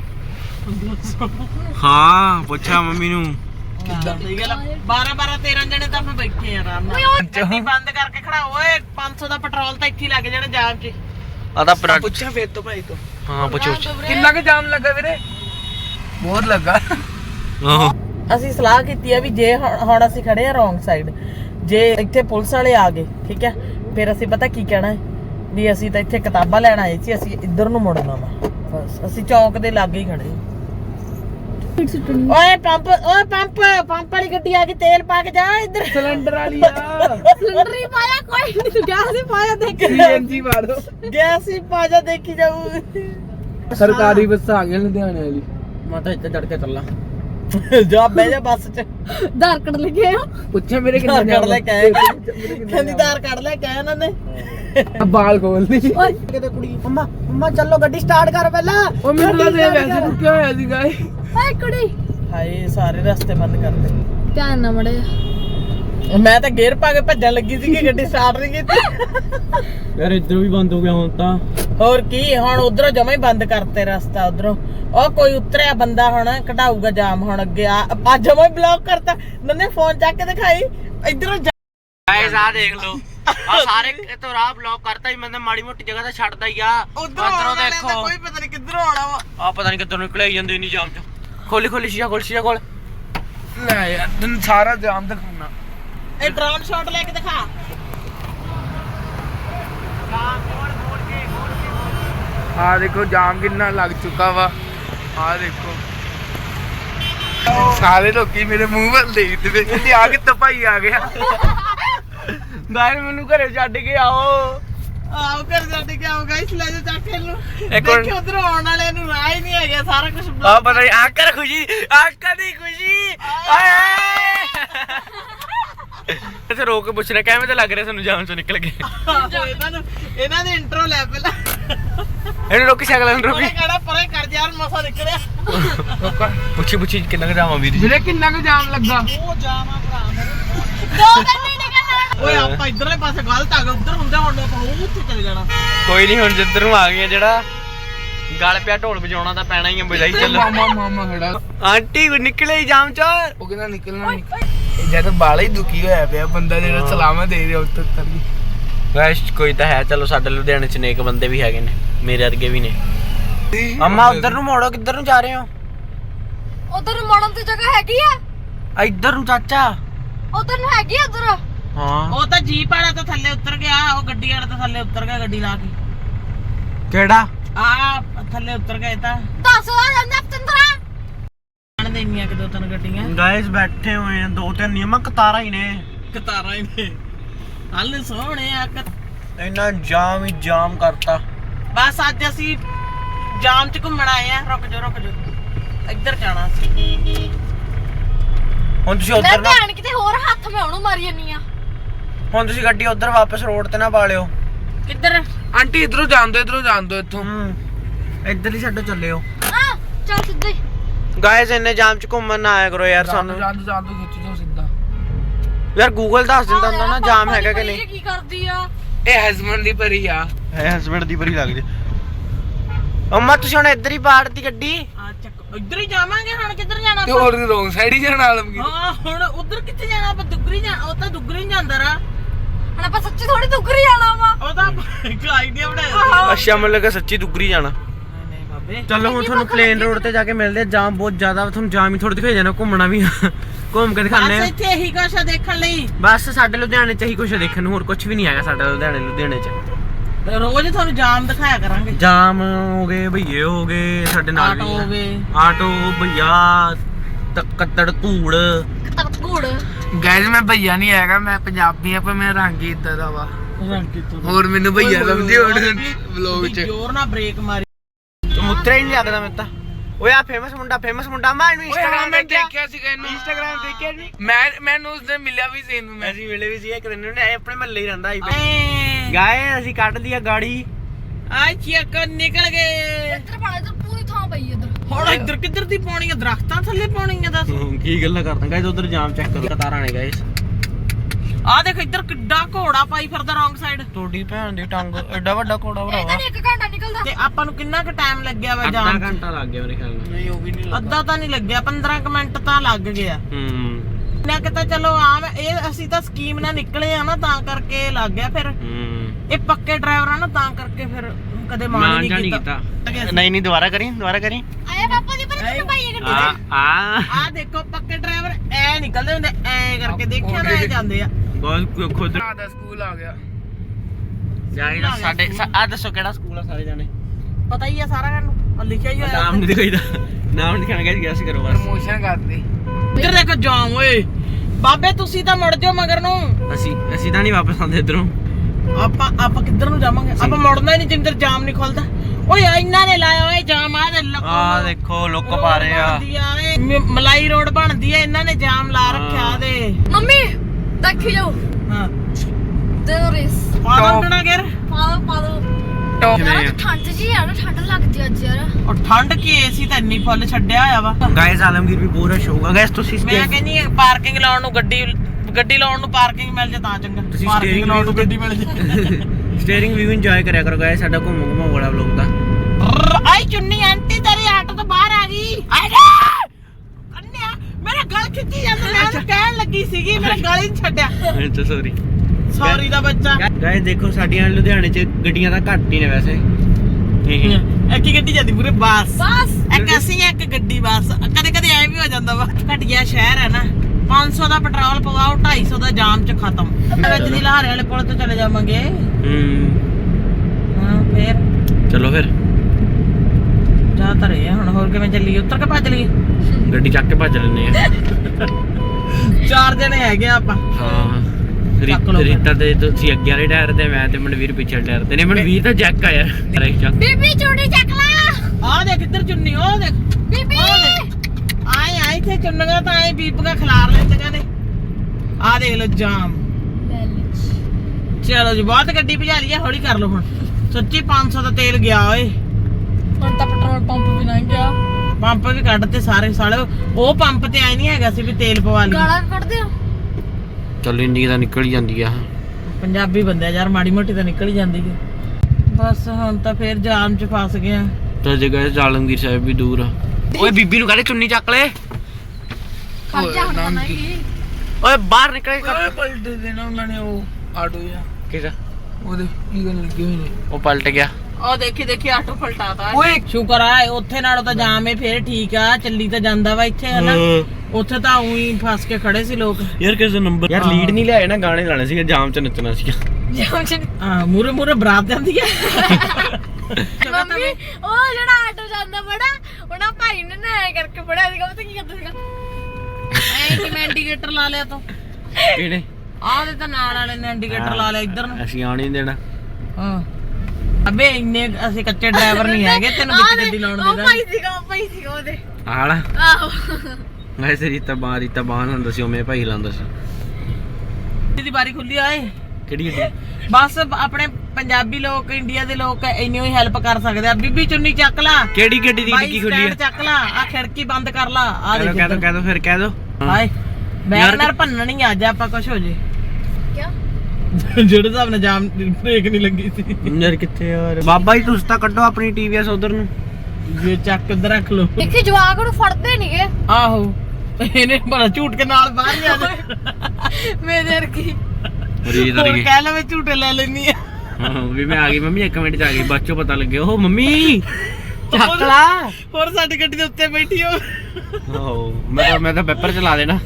ਹਾਂ ਪੁੱਛਿਆ ਮੰਮੀ ਨੂੰ।
ਸਹੀ ਗੱਲ ਆ। ਬਾਰਾਂ ਬਾਰਾਂ ਤੇਰਾਂ ਜਣੇ ਤਾਂ ਆਪਾਂ ਬੈਠੇ ਆ ਆਰਾਮ ਨਾਲ। ਗੱਡੀ ਬੰਦ ਕਰਕੇ ਖੜਾ। ਓਏ ਪੰਜ ਸੌ ਦਾ ਪੈਟਰੋਲ ਤਾਂ ਇੱਥੇ ਹੀ ਲੱਗ ਜਾਣਾ ਜਾਮ 'ਚ।
ਆ ਤਾਂ ਪਰਾ
ਪੁੱਛਿਆ ਫੇਰ ਤੋਂ ਭਾਈ ਤੋਂ।
ਹਾਂ ਪੁੱਛੋ।
ਕਿੰਨਾ ਕੁ ਜਾਮ ਲੱਗਾ ਵੀਰੇ? ਬਹੁਤ ਲੱਗਾ।
ਆਹੋ
ਅਸੀਂ ਸਲਾਹ ਕੀਤੀ ਆ ਵੀ ਜੇ ਹੁਣ ਹੁਣ ਅਸੀਂ ਖੜੇ ਆ ਰੋਂਗ ਸਾਈਡ, ਜੇ ਇੱਥੇ ਪੁਲਿਸ ਵਾਲੇ ਆ ਗਏ ਠੀਕ ਹੈ, ਫਿਰ ਅਸੀਂ ਪਤਾ ਕੀ ਕਹਿਣਾ ਹੈ ਵੀ ਅਸੀਂ ਤਾਂ ਇੱਥੇ ਕਿਤਾਬਾਂ ਲੈਣ ਆਏ ਸੀ, ਅਸੀਂ ਇੱਧਰ ਨੂੰ ਮੁੜਨਾ ਵਾ। ਬਸ ਅਸੀਂ ਚੌਕ ਦੇ ਲਾਗੇ ਹੀ ਖੜੇ। ਓਏ ਪੰਪ ਓਏ ਪੰਪ ਪੰਪ ਵਾਲੀ ਗੱਡੀ ਆ ਗਈ, ਤੇਲ ਪਾ ਕੇ ਜਾ ਇੱਧਰ।
ਸਿਲੰਡਰ ਵਾਲੀ ਆ।
ਸਿਲੰਡਰ ਹੀ ਪਾਇਆ, ਕੋਈ ਨਹੀਂ ਤੂੰ ਗੈਸ ਹੀ ਪਾਇਆ, ਦੇਖ
ਸੀਐਨਜੀ ਮਾਰੋ।
ਗੈਸ ਹੀ ਪਾ ਜਾ, ਦੇਖੀ ਜਾਊ।
ਸਰਕਾਰੀ ਬੱਸ ਆ ਗਈ ਲੁਧਿਆਣੇ ਵਾਲੀ।
ਮੈਂ ਤਾਂ ਇੱਥੇ ਚੜ ਕੇ ਚੱਲਾਂ।
ਜਾ ਬਹਿ ਜਾ ਬੱਸ 'ਚ।
ਆਧਾਰ ਕਾਰਡ ਲਿਖਿਆ ਆ।
ਪੁੱਛਿਆ ਮੇਰੇ ਕਿੰਨਾ
ਆਧਾਰ ਕਾਰਡ ਲੈ ਕੇ ਆਏ।
ਕਹਿੰਦੀ
ਕਹਿੰਦੀ ਆਧਾਰ ਕਾਰਡ ਲੈ ਕੇ ਆਏ ਇਹਨਾਂ ਨੇ।
ਬਾਲ ਖੋਲਦੀ।
ਓਏ
ਕਿਤੇ ਕੁੜੀ ਮੰਮਾ ਮੰਮਾ ਚੱਲੋ ਗੱਡੀ ਸਟਾਰਟ ਕਰ ਪਹਿਲਾਂ।
ਉਹ ਮੈਨੂੰ ਤਾਂ ਦੇ ਵੈਸੇ ਰੁਕਿਆ ਹੋਇਆ ਸੀਗਾ ਇਹ।
ਓਏ ਕੁੜੀ
ਹਾਏ ਸਾਰੇ ਰਸਤੇ ਬੰਦ ਕਰ ਦੇ।
ਧਿਆਨ ਨਾਲ ਮੜੇ।
ਮੈਂ ਤਾਂ ਗੇਅਰ ਪਾ ਕੇ ਭੱਜਣ ਲੱਗੀ ਸੀ ਕਿ ਗੱਡੀ ਸਟਾਰਟ ਨਹੀਂ ਕੀਤੀ।
ਯਾਰ ਇੱਧਰ ਵੀ ਬੰਦ ਹੋ ਗਿਆ ਹੁਣ ਤਾਂ।
ਹੋਰ ਕੀ ਹੁਣ ਉਧਰੋਂ ਜਮਾ ਹੀ ਬੰਦ ਕਰਤੇ ਰਸਤਾ ਉਧਰੋਂ। ਉਹ ਕੋਈ ਉਤਰਿਆ ਬੰਦਾ ਹੁਣ ਕਢਾਊਗਾ ਜਾਮ ਹੁਣ ਅੱਗੇ ਆ ਆ ਜਮਾ ਹੀ ਬਲੌਕ ਕਰਤਾ। ਨੰਨੇ ਫੋਨ ਚੱਕ ਕੇ ਦਿਖਾਈ ਇਧਰੋਂ।
ਗਾਇਸ ਆ ਦੇਖ ਲਓ ਆ ਸਾਰੇ ਤੋਂ ਰਾਹ ਬਲੌਕ ਕਰਤਾ ਹੀ। ਮੈਂ ਮਾੜੀ ਮੋਟੀ ਜਗ੍ਹਾ ਤਾਂ ਛੱਡਦਾ ਹੀ ਆ। ਉਧਰੋਂ ਦੇਖੋ
ਕੋਈ ਪਤਾ ਨਹੀਂ ਕਿੱਧਰੋਂ ਆਉਣਾ ਵਾ।
ਆ ਪਤਾ ਨਹੀਂ ਕਿੱਧਰੋਂ ਨਿਕਲੇ ਜਾਂਦੇ ਨਹੀਂ ਜਾਮ ਚੋਂ। ਖੋਲੀ ਖੋਲੀ ਸ਼ੀਸ਼ਾ ਖੋਲ ਸ਼ੀਸ਼ਾ ਖੋਲ।
ਲੈ ਯਾਰ ਤੈਨੂੰ ਸਾਰਾ ਜਾਮ ਦਿਖਾਉਣਾ।
ਇਹ ਡਰੋਨ ਸ਼ਾਟ ਲੈ ਕੇ ਦਿਖਾ।
ਆ ਦੇਖੋ ਜਾਮ ਕਿੰਨਾ ਲੱਗ ਚੁੱਕਾ ਵਾ। ਆ ਦੇਖੋ ਸਾਰੇ ਲੋਕੀ ਮੇਰੇ ਮੂੰਹ ਵੱਲ ਦੇਖਦੇ ਪਏ ਕਹਿੰਦੇ ਆ ਕਿੱਥੇ ਭਾਈ ਆ ਗਿਆ।
ਗਾਇਸ ਮੈਨੂੰ ਘਰੇ ਛੱਡ ਕੇ ਆਓ।
ਆਓ ਕਰ ਛੱਡ ਕੇ ਆਓ ਗਾਇਸ ਲੈ ਜਾ ਚੱਕ ਇਹਨੂੰ।
ਇੱਕ ਹੋਰ-
ਦੇਖੋ ਉਧਰੋਂ ਆਉਣ ਵਾਲੇ ਨੂੰ ਰਾਹ ਹੀ ਨਹੀਂ ਹੈਗਾ ਸਾਰਾ ਕੁਝ।
ਆ ਪਤਾ ਨਹੀਂ ਆਕਰ ਖੁਸ਼ੀ ਆਕਰ ਦੀ ਖੁਸ਼ੀ ਆਏ। ਇੱਥੇ ਰੋਕ ਕੇ ਪੁੱਛਣਾ ਕਿਵੇਂ ਤੇ ਲੱਗ ਰਿਹਾ ਸਾਨੂੰ ਜਾਮ ਚੋਂ ਨਿਕਲ ਕੇ।
ਇਹਨਾਂ ਨੂੰ ਇਹਨਾਂ ਦੀ ਇੰਟਰੋ ਲੈ ਪਹਿਲਾਂ।
ਇਹਨੂੰ ਰੋਕੀ ਸ਼ਕਲ ਨੂੰ ਰੋਕੀ।
ਉਹਨੇ ਕਹਿਣਾ ਪਰੇ ਕਰ ਯਾਰ ਮਸਾ ਨਿਕਲਿਆ।
ਲੋਕਾਂ
ਪੁੱਛੀ ਪੁੱਛੀ ਕਿੰਨਾ ਕੁ ਜਾਮ ਆ ਵੀਰ ਜੀ।
ਵੀਰੇ ਕਿੰਨਾ ਕੁ ਜਾਮ ਲੱਗਾ।
ਉਹ ਜਾਮ ਆ ਭਰਾ ਮੇਰੇ।
ਦੋ ਦਿਨ ਨਹੀਂ ਨਿਕਲਣਾ।
ਓਏ ਆਪਾਂ ਇਧਰਲੇ ਪਾਸੇ ਗਲਤ ਆ ਗਏ। ਉਧਰ ਹੁੰਦੇ ਹੁਣ ਆਪਾਂ ਉਹ ਉੱਥੇ ਚਲੇ ਜਾਣਾ।
ਕੋਈ ਨਹੀਂ ਹੁਣ ਜਿੱਧਰ ਨੂੰ ਆ ਗਏ ਜਿਹੜਾ ਗਲ ਪਿਆ ਢੋਲ ਵਜਾਉਣਾ ਤਾਂ ਪੈਣਾ ਹੀ ਆ। ਵਜਾਈ ਚੱਲ।
ਮਾਮਾ ਮਾਮਾ ਖੜਾ
ਆਂਟੀ ਨਿਕਲੇ ਹੀ ਜਾਮ ਚੋਂ।
ਉਹ ਕਹਿੰਦਾ ਨਿਕਲਣਾ ਨਹੀਂ। ਇਹ ਜਦ ਬਾਲਾ ਹੀ ਦੁਖੀ ਹੋਇਆ ਪਿਆ ਬੰਦਾ ਜਿਹੜਾ ਸਲਾਮਾਂ ਦੇ ਰਿਹਾ ਉੱਤਰ ਤੱਕ।
ਗਾਇਸ ਕੋਈ ਤਾਂ ਹੈ। ਚਲੋ ਸਾਡੇ ਲੁਧਿਆਣੇ ਚ ਨੇਕ ਬੰਦੇ ਵੀ ਹੈਗੇ ਨੇ ਮੇਰੇ ਵਰਗੇ ਵੀ ਨੇ। ਅੰਮਾ ਉਧਰ ਨੂੰ ਮੋੜੋ। ਕਿੱਧਰ ਨੂੰ ਜਾ ਰਹੇ ਹੋ?
ਉਧਰ ਮੋੜਨ ਦੀ ਜਗ੍ਹਾ ਹੈਗੀ ਆ।
ਇੱਧਰ ਨੂੰ ਚਾਚਾ।
ਉਧਰ ਨੂੰ ਹੈਗੀ ਆ ਉਧਰ।
ਹਾਂ
ਉਹ ਤਾਂ ਜੀਪ ਵਾਲਾ ਤਾਂ ਥੱਲੇ ਉਤਰ ਗਿਆ। ਉਹ ਗੱਡੀ ਵਾਲਾ ਤਾਂ ਥੱਲੇ ਉਤਰ ਗਿਆ ਗੱਡੀ ਲਾ ਕੇ।
ਕਿਹੜਾ?
ਆ ਥੱਲੇ ਉਤਰ ਗਏ ਤਾਂ
ਦੱਸ ਆ ਜਾਂਦਾ ਪਤੰਦਰਾ।
ਆਣ ਦੇਣੀਆਂ ਕਿ ਦੋ ਤਿੰਨ ਗੱਡੀਆਂ।
ਗਾਇਸ ਬੈਠੇ ਹੋਏ ਆ ਦੋ ਤਿੰਨ ਨਿਯਮਾਂ ਕਤਾਰਾਂ ਹੀ ਨੇ।
ਕਤਾਰਾਂ ਹੀ ਨੇ। ਹੱਲ ਸੋਹਣੇ ਆ।
ਇੰਨਾ ਜਾਮ ਹੀ ਜਾਮ ਕਰਤਾ।
ਬਸ ਅੱਜ ਅਸੀਂ ਜਾਮ 'ਚ ਘੁੰਮਣ ਆਏ ਆ। ਰੁਕ ਜਾ ਰੁਕ ਜਾ ਇੱਧਰ ਜਾਣਾ ਸੀ।
ਹੁਣ ਤੁਸੀਂ
ਮੈਂ
ਉਧਰ ਨਾ
ਭੈਣ ਕਿਤੇ ਹੋਰ ਹੱਥ ਮੈਂ ਉਹਨੂੰ ਮਾਰੀ ਜਾਨੀ ਆ।
ਹੁਣ ਤੁਸੀਂ ਗੱਡੀ ਉਧਰ ਵਾਪਸ ਰੋਡ ਤੇ ਨਾ ਪਾ ਲਿਓ।
ਕਿੱਧਰ?
ਆਂਟੀ ਇਧਰੋਂ ਜਾਣ ਦੋ ਇਧਰੋਂ ਜਾਣ ਦੋ ਇੱਥੋਂ।
ਹੂੰ ਇੱਧਰ ਹੀ ਛੱਡੋ ਚੱਲਿਓ।
ਹਾਂ ਚੱਲ ਸਿੱਧਾ ਹੀ।
ਗਾਇਸ ਇੰਨੇ ਜਾਮ 'ਚ ਘੁੰਮਣ ਨਾ ਆਇਆ ਕਰੋ ਯਾਰ। ਸਾਨੂੰ
ਜਾਣ ਦੋ ਜਾਣ ਦੋ ਖਿੱਚ ਦੋ ਸਿੱਧਾ।
ਯਾਰ ਗੂਗਲ ਦੱਸ ਦਿੰਦਾ ਹੁੰਦਾ ਨਾ ਜਾਮ ਹੈਗਾ ਕਿ ਨਹੀਂ।
ਇਹ ਕੀ ਕਰਦੀ ਆ?
ਇਹ ਹਸਬੰਡ ਦੀ ਪਰੀ ਆ।
ਹੈ ਹਸਬੰਡ ਦੀ ਬਰੀ ਲੱਗਦੀ। ਅੰਮਾ ਤੁਸੀਂ ਹੁਣ ਇੱਧਰ ਹੀ ਪਾੜਤੀ ਗੱਡੀ।
ਆ ਚੱਕ ਇੱਧਰ ਹੀ ਜਾਵਾਂਗੇ। ਹੁਣ ਕਿੱਧਰ ਜਾਣਾ
ਤੇ
ਆਪਾਂ?
ਹੋਰ ਰੋਂਗ ਸਾਈਡ ਹੀ ਜਾਣਾ ਆਲਮਗੀਰ।
ਹਾਂ ਹੁਣ ਉਧਰ ਕਿੱਥੇ ਜਾਣਾ ਆਪਾਂ? ਦੁੱਗਰੀ ਜਾ। ਉਹ ਤਾਂ ਦੁੱਗਰੀ ਜਾਂਦਾ ਰਾ।
ਹੁਣ ਆਪਾਂ ਸੱਚੀ ਥੋੜੀ ਦੁਗਰੀ ਜਾਣਾ ਵਾ।
ਉਹ ਤਾਂ ਇੱਕ ਆਈਡੀਆ ਬਣਾਇਆ
ਅੱਛਾ ਮੈਨੂੰ ਲੱਗਾ ਸੱਚੀ ਦੁੱਗਰੀ ਜਾਣਾ।
ਸੀ। ਨਹੀਂ ਬਾਬੇ
ਚਲੋ ਹੁਣ ਤੁਹਾਨੂੰ ਪਲੇਨ ਰੋਡ ਤੇ ਜਾ ਕੇ ਮਿਲਦੇ ਆ। ਜਾਮ ਬਹੁਤ ਜ਼ਿਆਦਾ। ਤੁਹਾਨੂੰ ਜਾਮ ਹੀ ਥੋੜੀ ਦਿਖਾਈ ਜਾਣਾ। ਘੁੰਮਣਾ ਵੀ ਘੁੰਮ ਕੇ ਦਿਖਾਣੇ
ਬਸ
ਆ।
ਇੱਥੇ ਇਹੀ ਕੁਛ ਆ ਦੇਖਣ ਲਈ।
ਬਸ ਸਾਡੇ ਲੁਧਿਆਣੇ ਚ ਹੀ ਕੁਝ ਦੇਖਣ ਨੂੰ। ਹੋਰ ਕੁਝ ਵੀ ਨਹੀਂ ਹੈਗਾ ਸਾਡੇ ਲੁਧਿਆਣੇ ਲੁਧਿਆਣੇ ਚ।
ਰੋਜ਼ ਤੁਹਾਨੂੰ ਜਾਮ ਦਿਖਾਇਆ ਕਰਾਂਗੇ।
ਜਾਮ ਹੋ ਗਏ ਭਈਏ ਹੋ ਗਏ ਸਾਡੇ ਨਾਲ
ਆਟੋ ਹੋ ਗਏ।
ਆਟੋ ਭਈਆ ਕੱਤੜ ਧੂੜ।
ਤੜਕੂੜ।
ਗਾਇਜ਼ ਮੈਂ ਭਈਆ ਨਹੀਂ ਹੈਗਾ ਮੈਂ ਪੰਜਾਬੀ ਆ ਪਰ ਮੇਰਾ ਰੰਗ ਹੀ ਇਦਾਂ ਦਾ ਵਾ।
ਰੰਗ ਕਿਤੋਂ
ਹੋਰ ਮੈਨੂੰ ਭਈਆ ਸਮਝੀ ਹੁਣ ਵਲੌਗ ਚ।
ਜ਼ੋਰ ਨਾਲ ਬ੍ਰੇਕ ਮਾਰੀ।
ਮੁੱਤਰਾ ਹੀ ਨਹੀਂ ਲੱਗਦਾ ਮੈਨੂੰ ਤਾਂ। ਓਏ ਆ ਫੇਮਸ ਮੁੰਡਾ ਫੇਮਸ ਮੁੰਡਾ ਮੈਂ ਇਹਨੂੰ ਇੰਸਟਾਗ੍ਰਾਮ
ਮੈਂ
ਦੇਖਿਆ।
ਦੇਖਿਆ ਸੀਗਾ ਇਹਨੂੰ
ਇੰਸਟਾਗ੍ਰਾਮ ਦੇਖਿਆ ਨਹੀਂ।
ਮੈਂ ਮੈਨੂੰ ਉਸ ਦਿਨ ਮਿਲਿਆ ਵੀ ਸੀ ਇਹਨੂੰ ਮੈਂ।
ਅਸੀਂ ਮਿਲੇ ਵੀ ਸੀ ਇੱਕ ਦਿਨ ਉਹਨੇ ਆਪਣੇ ਮਹੱਲੇ ਹੀ ਰਹਿੰਦਾ ਸੀ।
ਐ
ਗਾਏ ਅਸੀਂ ਕੱਢ ਲਿਆ ਗਾੜੀ।
ਆ ਚੱਕ ਨਿਕਲ ਗਏ।
ਇੱਧਰ ਪਾਣਾ ਇੱਧਰ ਪੂਰੀ ਥਾਂ ਪਈ ਇੱਧਰ।
ਹੁਣ ਇੱਧਰ ਕਿੱਧਰ ਦੀ ਪਾਉਣੀ ਆ? ਦਰਖਤਾਂ ਥੱਲੇ ਪਾਉਣੀ ਆ ਦੱਸ।
ਕੀ ਗੱਲਾਂ ਕਰਦਾ ਗਾਇਸ। ਉਧਰ ਜਾਮ ਚੈੱਕ ਕਰੋ ਕਤਾਰਾਂ ਨੇ ਗਾਇਸ।
ਆ ਦੇਖ ਇੱਧਰ ਕਿੱਡਾ ਘੋੜਾ ਪਾਈ ਫਿਰਦਾ ਰੌਂਗ ਸਾਈਡ।
ਤੁਹਾਡੀ ਭੈਣ ਦੀ ਟੰਗ ਐਡਾ ਵੱਡਾ ਘੋੜਾ
ਇਹ ਤਾਂ
ਭਰਾਵਾ।
ਨਹੀਂ ਇੱਕ ਘੰਟਾ ਨਿਕਲਦਾ।
ਤੇ ਆਪਾਂ ਨੂੰ ਕਿੰਨਾ ਕੁ ਟਾਈਮ ਲੱਗਿਆ ਵਾ
ਅੱਧਾ
ਜਾਮ 'ਚ?
ਘੰਟਾ ਲੱਗ ਗਿਆ ਮੇਰੇ ਖਿਆਲ ਨਾਲ।
ਨਹੀਂ ਉਹ ਵੀ ਨਹੀਂ
ਅੱਧਾ ਤਾਂ ਨਹੀਂ ਲੱਗਿਆ। ਪੰਦਰਾਂ ਕੁ ਮਿੰਟ ਤਾਂ ਲੱਗ ਗਿਆ।
ਹੂੰ
ਨਾ ਕਿਤਾ ਚਲੋ ਆਮ ਇਹ ਅਸੀਂ ਤਾਂ ਸਕੀਮ ਨਾਲ ਨਿਕਲੇ ਆ ਨਾ ਤਾਂ ਕਰਕੇ ਲੱਗ ਗਿਆ। ਫਿਰ
ਹੂੰ
ਇਹ ਪੱਕੇ ਡਰਾਈਵਰ ਆ ਨਾ ਤਾਂ ਕਰਕੇ ਫਿਰ ਕਦੇ ਮਾਨ
ਮਾਨ
ਨਹੀਂ
ਨਹੀਂ
ਕੀਤਾ।
ਕੀਤਾ। ਨਹੀਂ ਨਹੀਂ ਦੁਬਾਰਾ ਕਰੀ ਦੁਬਾਰਾ ਕਰੀ।
ਆਇਆ ਪਾਪਾ ਦੀ ਪਰ ਤੈਨੂੰ ਭਾਈ ਗੱਡੀ
ਆ
ਚ।
ਆ
ਆ ਦੇਖੋ ਪੱਕੇ ਡਰਾਈਵਰ ਐ ਨਿਕਲਦੇ ਹੁੰਦੇ ਐ ਕਰਕੇ ਦੇਖਿਆ ਨਾ ਐ ਜਾਂਦੇ ਆ।
ਬਹੁਤ ਖੁਦ
ਦਾ ਸਕੂਲ ਆ ਗਿਆ।
ਜਾਈਦਾ ਸਾਡੇ ਆ ਦੱਸੋ ਕਿਹੜਾ ਸਕੂਲ ਆ ਸਾਰੇ ਜਾਣੇ।
ਪਤਾ ਹੀ ਆ ਸਾਰਾ ਨੂੰ ਲਿਖਿਆ ਹੀ ਹੋਇਆ।
ਨਾਮ ਨਹੀਂ ਦਿਖਾਈਦਾ। ਨਾਮ ਨਹੀਂ ਦਿਖਾਣਾ ਗੈਸ ਕਰੋ ਬਸ।
ਪ੍ਰਮੋਸ਼ਨ ਕਰਦੇ।
ਇੱਧਰ ਦੇਖੋ ਜਾਮ ਓਏ। ਬਾਬੇ ਤੁਸੀਂ ਤਾਂ ਮੁੜ ਜਾਓ ਮਗਰ ਨੂੰ।
ਅਸੀਂ ਅਸੀਂ ਤਾਂ ਨਹੀਂ ਵਾਪਸ ਆਉਂਦੇ ਇਧਰੋਂ।
ਆਪਾਂ ਆਪਾਂ ਕਿੱਧਰ ਨੂੰ ਜਾਵਾਂਗੇ? ਆਪਾਂ ਮੁੜਨਾ ਹੀ ਨਹੀਂ ਜਿੰਦਰ ਜਾਮ ਨਹੀਂ ਖੁੱਲਦਾ। ਓਏ ਇਹਨਾਂ ਨੇ ਲਾਇਆ ਓਏ ਜਾਮ। ਆ ਦੇ ਲੋਕੋ
ਆ ਦੇਖੋ ਲੋਕ ਪਾ ਰਹੇ ਆ।
ਮਲਾਈ ਰੋਡ ਬਣਦੀ ਆ। ਇਹਨਾਂ ਨੇ ਜਾਮ ਲਾ ਰੱਖਿਆ ਦੇ।
ਮੰਮੀ ਦੇਖੀ ਜਾਓ।
ਹਾਂ
ਦੇ ਦੋ ਰੇਸ।
ਪਾ ਦੰਦਣਾ ਗਿਰ।
ਪਾ ਦੋ ਪਾ ਦੋ। ਯਾਰ ਠੰਡ ਜੀ ਆ ਨਾ ਠੰਡ ਲੱਗਦੀ ਅੱਜ ਯਾਰ।
ਉਹ ਠੰਡ ਕੀ ਏਸੀ ਤਾਂ ਇੰਨੀ ਫੁੱਲ ਛੱਡਿਆ ਹੋਇਆ ਵਾ।
ਗਾਇਸ ਆਲਮਗੀਰ ਵੀ ਪੂਰਾ ਸ਼ੋਅ ਹੋਗਾ ਗਾਇਸ ਤੁਸੀਂ
ਮੈਂ ਕਹਿੰਦੀ ਪਾਰਕਿੰਗ ਲਾਉਣ ਨੂੰ ਗੱਡੀ ਗੱਡੀ ਲਾਉਣ ਨੂੰ ਪਾਰਕਿੰਗ ਮਿਲ ਜੇ ਤਾਂ ਚੰਗਾ
ਤੁਸੀਂ
ਪਾਰਕਿੰਗ
steering
ਲਾਉਣ ਨੂੰ
wheel
ਗੱਡੀ ਮਿਲ ਜੇ
ਸਟੀਅਰਿੰਗ ਵੀ ਇੰਜੋਏ ਕਰਿਆ ਕਰੋ ਗਾਇਸ ਸਾਡਾ ਘੁੰਮ ਘੁਮਾ ਬੜਾ ਵਲੌਗ ਦਾ
ਆਈ ਚੁੰਨੀ ਆਂਟੀ ਤੇਰੀ ਆਟੋ ਤੋਂ ਬਾਹਰ ਆ ਗਈ ਆਏ ਕੰਨਿਆ ਮੇਰਾ ਗਲ ਖਿੱਚੀ ਜਾਂਦਾ ਮੈਂ ਉਹਨੂੰ ਕਹਿਣ ਲੱਗੀ ਸੀਗੀ ਮੇਰਾ ਗਲ ਹੀ ਨੀ ਛੱਡਿਆ
ਅੱਛਾ ਸੌਰੀ
ਸੌਰੀ ਦਾ ਬੱਚਾ
ਗਾਇਸ ਦੇਖੋ ਸਾਡੀਆਂ ਲੁਧਿਆਣੇ 'ਚ ਗੱਡੀਆਂ ਤਾਂ ਘੱਟ ਹੀ ਨੇ ਵੈਸੇ ਇਹ
ਇੱਕ ਹੀ ਗੱਡੀ ਜਾਂਦੀ ਪੂਰੇ ਬੱਸ
ਬਸ
ਇੱਕ ਅਸੀਂ ਇੱਕ ਗੱਡੀ ਬੱਸ ਕਦੇ ਕਦੇ ਐ ਵੀ ਹੋ ਜਾਂਦਾ ਵਾ ਘਟਿਆ ਸ਼ਹਿਰ ਹੈ ਨਾ ਪੰਜ ਸੌ ਦਾ ਪੈਟਰੋਲ ਪਵਾਓ ਢਾਈ ਸੌ ਦਾ ਜਾਮ ਚ ਖਤਮ ਵਿੱਚ ਦੀ ਲਹਾਰੇ ਵਾਲੇ ਪੁਲ ਤੋਂ ਚਲੇ ਜਾਵਾਂਗੇ
ਹੂੰ
ਹਾਂ ਫੇਰ
ਚਲੋ ਫਿਰ
ਜਾ ਧਰੇ ਹੁਣ ਹੋਰ ਕਿਵੇਂ ਚੱਲੀਏ ਉੱਤਰ ਕੇ ਭੱਜ ਲਈਏ
ਗੱਡੀ ਚੱਕ ਕੇ ਭੱਜ ਲੈਂਦੇ ਆ
ਚਾਰ ਜਣੇ ਹੈਗੇ ਆ ਆਪਾਂ
ਹਾਂ
ਚੱਕ ਲਓ ਫਿਰ।
ਰੀਤਾ ਤੇ ਤੁਸੀਂ ਅੱਗੇ ਵਾਲੇ ਟਾਇਰ ਤੇ ਮੈਂ ਤੇ ਮਨਵੀਰ ਪਿੱਛੇ ਟਾਇਰ ਤੇ ਨੇ ਮਨਵੀਰ ਤਾਂ ਜੈਕ ਆ ਯਾਰ ਅਰੇ ਚੱਕ
ਬੀਬੀ ਚੂੜੀ ਚੱਕ ਲਾ
ਆਹ ਦੇਖ ਕਿੱਧਰ ਚੁੰਨੀ ਉਹ ਦੇਖ
ਬੀਬੀ
ਆਏ ਆਏ ਇੱਥੇ ਚੁੰਨੀਆਂ ਤਾਂ ਆਏ ਬੀਬੀਆਂ ਖਿਲਾਰ ਲੈਂਦੀਆਂ ਨੇ ਆਹ ਦੇਖ ਲਓ ਜਾਮ ਚਲੋ ਜੀ ਬਹੁਤ ਗੱਡੀ ਭਜਾ ਲਈ ਆ ਹੌਲੀ ਕਰ ਲਓ ਹੁਣ ਸੱਚੀ ਪੰਜ ਸੌ ਦਾ ਤੇਲ ਗਿਆ ਓਏ
ਹੁਣ ਤਾਂ ਪੈਟਰੋਲ ਪੰਪ ਵੀ ਲੰਘ ਗਿਆ
ਪੰਪ ਵੀ ਕੱਢਤੇ ਸਾਰੇ ਸਾਲੇ ਉਹ ਪੰਪ ਤੇ ਆਏ ਨਹੀਂ ਹੈਗਾ ਸੀ ਵੀ ਤੇਲ ਪਵਾ ਲਈ
ਗਾਲਾਂ ਕੱਢਦੇ ਹੋ
ਚੱਲ ਇੰਨੀ ਤਾਂ ਨਿਕਲ ਹੀ ਜਾਂਦੀ ਆ
ਪੰਜਾਬੀ ਬੰਦੇ ਆ ਯਾਰ ਮਾੜੀ ਮੋਟੀ ਤਾਂ ਨਿਕਲ ਹੀ ਜਾਂਦੀ ਹੈ ਬਸ ਹੁਣ ਤਾਂ ਫੇਰ ਜਾਮ ਚ ਫਸ ਗਏ ਆ
ਤਾਂ ਜਗ੍ਹਾ ਆਲਮਗੀਰ ਸਾਹਿਬ ਵੀ ਦੂਰ ਆ ਓਏ ਬੀਬੀ ਨੂੰ ਕਹਿੰਦੇ ਚੁੰਨੀ ਚੱਕ ਲੈ
ਖਰਚਾ ਹੁੰਦਾ ਨਹੀਂ
ਓਏ ਬਾਹਰ ਨਿਕਲ
ਓਏ ਪਲਟ ਦੇਣਾ ਉਹਨਾਂ ਨੇ ਉਹ ਆਟੋ ਜਾਂ
ਕਿਹਦਾ
ਉਹਦੇ ਕੀ ਗੱਲ ਲੱਗੀ ਹੋਈ ਨੇ
ਉਹ ਪਲਟ ਗਿਆ
ਉਹ ਦੇਖੀ ਦੇਖੀ ਆਟੋ ਪਲਟਾਤਾ
ਓਏ
ਸ਼ੁਕਰ ਆ ਉੱਥੇ ਨਾਲੋਂ ਤਾਂ ਜਾਮ ਏ ਫੇਰ ਠੀਕ ਆ ਚੱਲੀ ਤਾਂ ਜਾਂਦਾ ਵਾ ਇੱਥੇ ਹਨਾ ਉੱਥੇ ਤਾਂ ਉਹੀ ਫਸ ਕੇ ਖੜੇ ਸੀ ਲੋਕ
ਯਾਰ ਕਿਸੇ ਨੰਬਰ ਯਾਰ ਲੀਡ ਨਹੀਂ ਲਿਆਏ ਨਾ ਗਾਣੇ ਲਾਣੇ ਸੀਗੇ ਜਾਮ ਚ ਨੱਚਣਾ ਸੀਗਾ
ਜਾਮ ਚ
ਹਾਂ ਮੂਰੇ ਮੂਰੇ ਬਰਾਤ ਜਾਂਦੀ ਆ
ਮੰਮੀ ਉਹ ਜਿਹੜਾ ਆਟੋ ਜਾਂਦਾ ਬੜਾ ਉਹਨਾਂ ਭਾਈ ਨੇ ਨਾ ਐ ਕਰਕੇ ਬੜਾ ਸੀਗਾ ਪਤਾ ਕੀ ਕਰਦਾ ਸੀਗਾ
ਐਂ ਕਿਵੇਂ ਇੰਡੀਕੇਟਰ ਲਾ ਲਿਆ ਤੂੰ
ਕਿਹੜੇ
ਆਹ ਦੇ ਤਾਂ ਨਾਲ ਵਾਲੇ ਨੇ ਇੰਡੀਕੇਟਰ ਲਾ ਲਿਆ ਇੱਧਰ ਨੂੰ
ਅਸੀਂ ਆਣ ਹੀ ਨੀ ਦੇਣਾ
ਹਾਂ ਅਬੇ ਇੰਨੇ ਅਸੀਂ ਕੱਚੇ ਡਰਾਈਵਰ ਨਹੀਂ ਹੈਗੇ ਤੈਨੂੰ ਵਿੱਚ ਗੱਡੀ ਲਾਉਣ
ਉਹ
ਦੇ
ਭਾਈ ਸੀਗਾ ਉਹ ਭਾਈ ਸੀਗਾ ਉਹਦੇ
ਆਲਾ
ਆਹੋ
ਵੈਸੇ ਰੀਤਾ ਬਾਹਰ ਰੀਤਾ ਬਾਹਰ ਹੁੰਦਾ ਸੀ ਉਵੇਂ ਭਾਈ ਲਾਉਂਦਾ ਸੀ
ਦੀ ਬਾਰੀ ਖੁੱਲੀ ਆਏ
ਕਿਹੜੀ ਗੱਡੀ
ਬਸ ਆਪਣੇ ਪੰਜਾਬੀ ਲੋਕ ਇੰਡੀਆ ਦੇ ਲੋਕ ਇੰਨੀ ਹੀ ਹੈਲਪ ਕਰ ਸਕਦੇ ਆ ਬੀਬੀ ਚੁੰਨੀ ਚੱਕ ਲਾ
ਕਿਹੜੀ ਗੱਡੀ ਦੀ ਡਿੱਗੀ ਖੁੱਲੀ ਆ
ਸਟੈਂਡ ਚੱਕ ਲਾ ਆ ਖਿੜਕੀ ਬੰਦ ਕਰ ਲਾ ਆ
ਕਹਿ ਦੋ
ਦੇਖ
ਕਹਿ ਦੋ ਕਹਿ ਦੋ ਫਿਰ ਕਹਿ ਦੋ
ਹਾਏ ਬੈਨਰ ਭੰਨਣੀ ਅੱਜ ਆਪਾਂ ਕੁਝ ਹੋ ਜੇ
ਕੀ
ਜਿਹੜੇ ਹਿਸਾਬ ਨਾਲ ਜਾਮ ਬ੍ਰੇਕ ਨਹੀਂ ਲੱਗੀ ਸੀ
ਯਾਰ ਕਿੱਥੇ ਯਾਰ ਬਾਬਾ ਜੀ ਤੁਸੀਂ ਤਾਂ ਕੱਢੋ ਆਪਣੀ ਟੀਵੀਐਸ ਉਧਰ ਨੂੰ
ਇਹ ਚੱਕ ਇੱਧਰ ਰੱਖ ਲੋ
ਦੇਖੀ ਜਵਾਕ ਨੂੰ ਫੜਦੇ ਨਹੀਂਗੇ
ਆਹੋ ਇਹਨੇ ਬੜਾ ਝੂਟ ਕੇ ਨਾਲ ਬਾਹਰ ਹੀ ਆ ਜਾ
ਮੇਰੇ ਵਰਗੀ
ਮਰੀਜ਼
ਹੋਰ
ਰਹੀ
ਕਹਿ ਲਵੇ ਝੂਟੇ ਲੈ ਲੈਣੀ ਆ
ਹਾਂ ਵੀ ਮੈਂ ਆ ਗਈ ਮੰਮੀ ਇੱਕ ਮਿੰਟ ਚ ਆ ਗਈ ਬਾਅਦ ਚੋਂ ਪਤਾ ਲੱਗਿਆ ਉਹ ਮੰਮੀ ਚੱਕ ਲਾ
ਹੋਰ ਸਾਡੀ ਗੱਡੀ ਦੇ ਉੱਤੇ ਬੈਠੀ ਹੋ
ਆਹੋ ਮੈਂ ਤਾਂ ਮੈਂ ਤਾਂ ਪੇਪਰ ਚਲਾ ਦੇਣਾ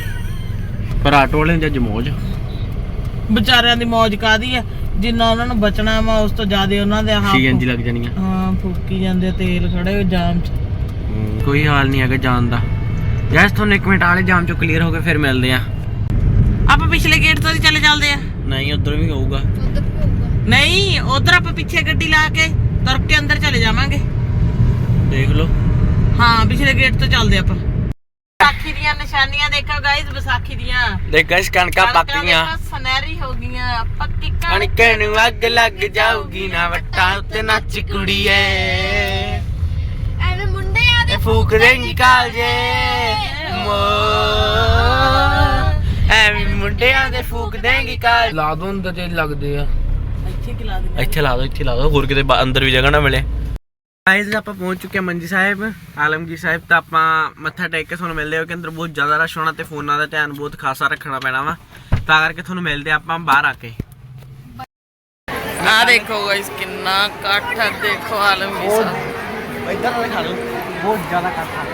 ਪਰ ਆਟੋ ਵਾਲੇ ਨੇ ਜਮੋਜ
ਵਿਚਾਰਿਆਂ ਦੀ ਮੌਜ ਕਾਦੀ ਆ ਜਿੰਨਾ ਉਹਨਾਂ ਨੂੰ ਬਚਣਾ ਵਾ ਉਸ ਤੋਂ ਜ਼ਿਆਦਾ ਉਹਨਾਂ ਦੇ ਆਹ
ਸੀਐਨਜੀ ਲੱਗ ਜਾਣੀ ਆ
ਹਾਂ ਫੂਕੀ ਜਾਂਦੇ ਤੇਲ ਖੜੇ ਹੋ ਜਾਮ 'ਚ
ਕੋਈ ਹਾਲ ਨਹੀਂ ਹੈਗਾ ਜਾਣ ਦਾ ਗੈਸ ਤੁਹਾਨੂੰ ਇੱਕ ਮਿੰਟ ਵਾਲੇ ਜਾਮ ਚੋਂ ਕਲੀਅਰ ਹੋ ਕੇ ਫਿਰ ਮਿਲਦੇ ਆ
ਆਪਾਂ ਪਿਛਲੇ ਗੇਟ ਤੋਂ ਹੀ ਚਲੇ ਚੱਲਦੇ ਆ
ਨਹੀਂ ਉਧਰ ਵੀ ਹੋਊਗਾ
ਉਧਰ ਵੀ ਹੋਊਗਾ
ਨਹੀਂ ਉਧਰ ਆਪਾਂ ਪਿੱਛੇ ਗੱਡੀ ਲਾ ਕੇ ਤੁਰ ਕੇ ਅੰਦਰ ਚਲੇ ਜਾਵਾਂਗੇ
ਦੇਖ ਲਓ
ਹਾਂ ਪਿਛਲੇ ਗੇਟ ਤੋਂ ਚੱਲਦੇ ਆਪਾਂ ਵਿਸਾਖੀ ਦੀਆਂ ਨਿਸ਼ਾਨੀਆਂ ਦੇਖੋ ਗਾਇਸ ਵਿਸਾਖੀ ਦੀਆਂ
ਦੇਖ ਗਾਇਸ ਕਣਕਾਂ ਪੱਕੀਆਂ
ਦੇਖੋ, ਸੁਨਹਿਰੀ ਹੋ ਗਈਆਂ ਪੱਕੀ
ਕਣਕਾਂ ਨੂੰ ਅੱਗ ਲੱਗ ਜਾਊਗੀ ਨਾ ਵੱਟਾਂ ਉੱਤੇ ਨੱਚ ਕੁੜੀਏ
ਐਵੇਂ ਮੁੰਡੇ ਆ
ਇਹ ਫੂਕ ਦੇਂਗੀ ਕਾਲਜੇ ਮੋ ਐਵੇਂ ਮੁੰਡਿਆਂ ਦੇ ਫੂਕ ਦੇਂਗੀ ਕਾਲ
ਲਾ ਦੋ ਅੰਦਰ ਤੇ ਲੱਗਦੇ ਆ
ਇੱਥੇ ਖਿਲਾ ਦੇ
ਇੱਥੇ ਲਾ ਦੋ ਇੱਥੇ ਲਾ ਦੋ ਹੋਰ ਕਿਤੇ ਬਾ- ਅੰਦਰ ਵੀ ਜਗ੍ਹਾ ਨਾ ਮਿਲੇ ਗਾਇਸ ਆਪਾਂ ਪਹੁੰਚ ਚੁੱਕੇ ਹਾਂ ਮੰਜੀ ਸਾਹਿਬ ਆਲਮਗੀਰ ਸਾਹਿਬ ਤਾਂ ਆਪਾਂ ਮੱਥਾ ਟੇਕ ਕੇ ਤੁਹਾਨੂੰ ਮਿਲਦੇ ਹੋ ਕਿ ਅੰਦਰ ਬਹੁਤ ਜ਼ਿਆਦਾ ਰਸ਼ ਹੋਣਾ ਤੇ ਫੋਨਾਂ ਦਾ ਧਿਆਨ ਬਹੁਤ ਖਾਸਾ ਰੱਖਣਾ ਪੈਣਾ ਵਾ ਤਾਂ ਕਰਕੇ ਤੁਹਾਨੂੰ ਮਿਲਦੇ ਆਪਾਂ ਬਾਹਰ ਆ ਕੇ
ਆ ਦੇਖੋ ਗਾਇਸ ਕਿੰਨਾ ਇਕੱਠ ਹੈ ਦੇਖੋ ਆਲਮਗੀਰ ਸਾਹਿਬ
ਇੱਧਰ ਵਾਲੇ ਖਾ ਲਓ ਬਹੁਤ ਜ਼ਿਆਦਾ ਇਕੱਠਾ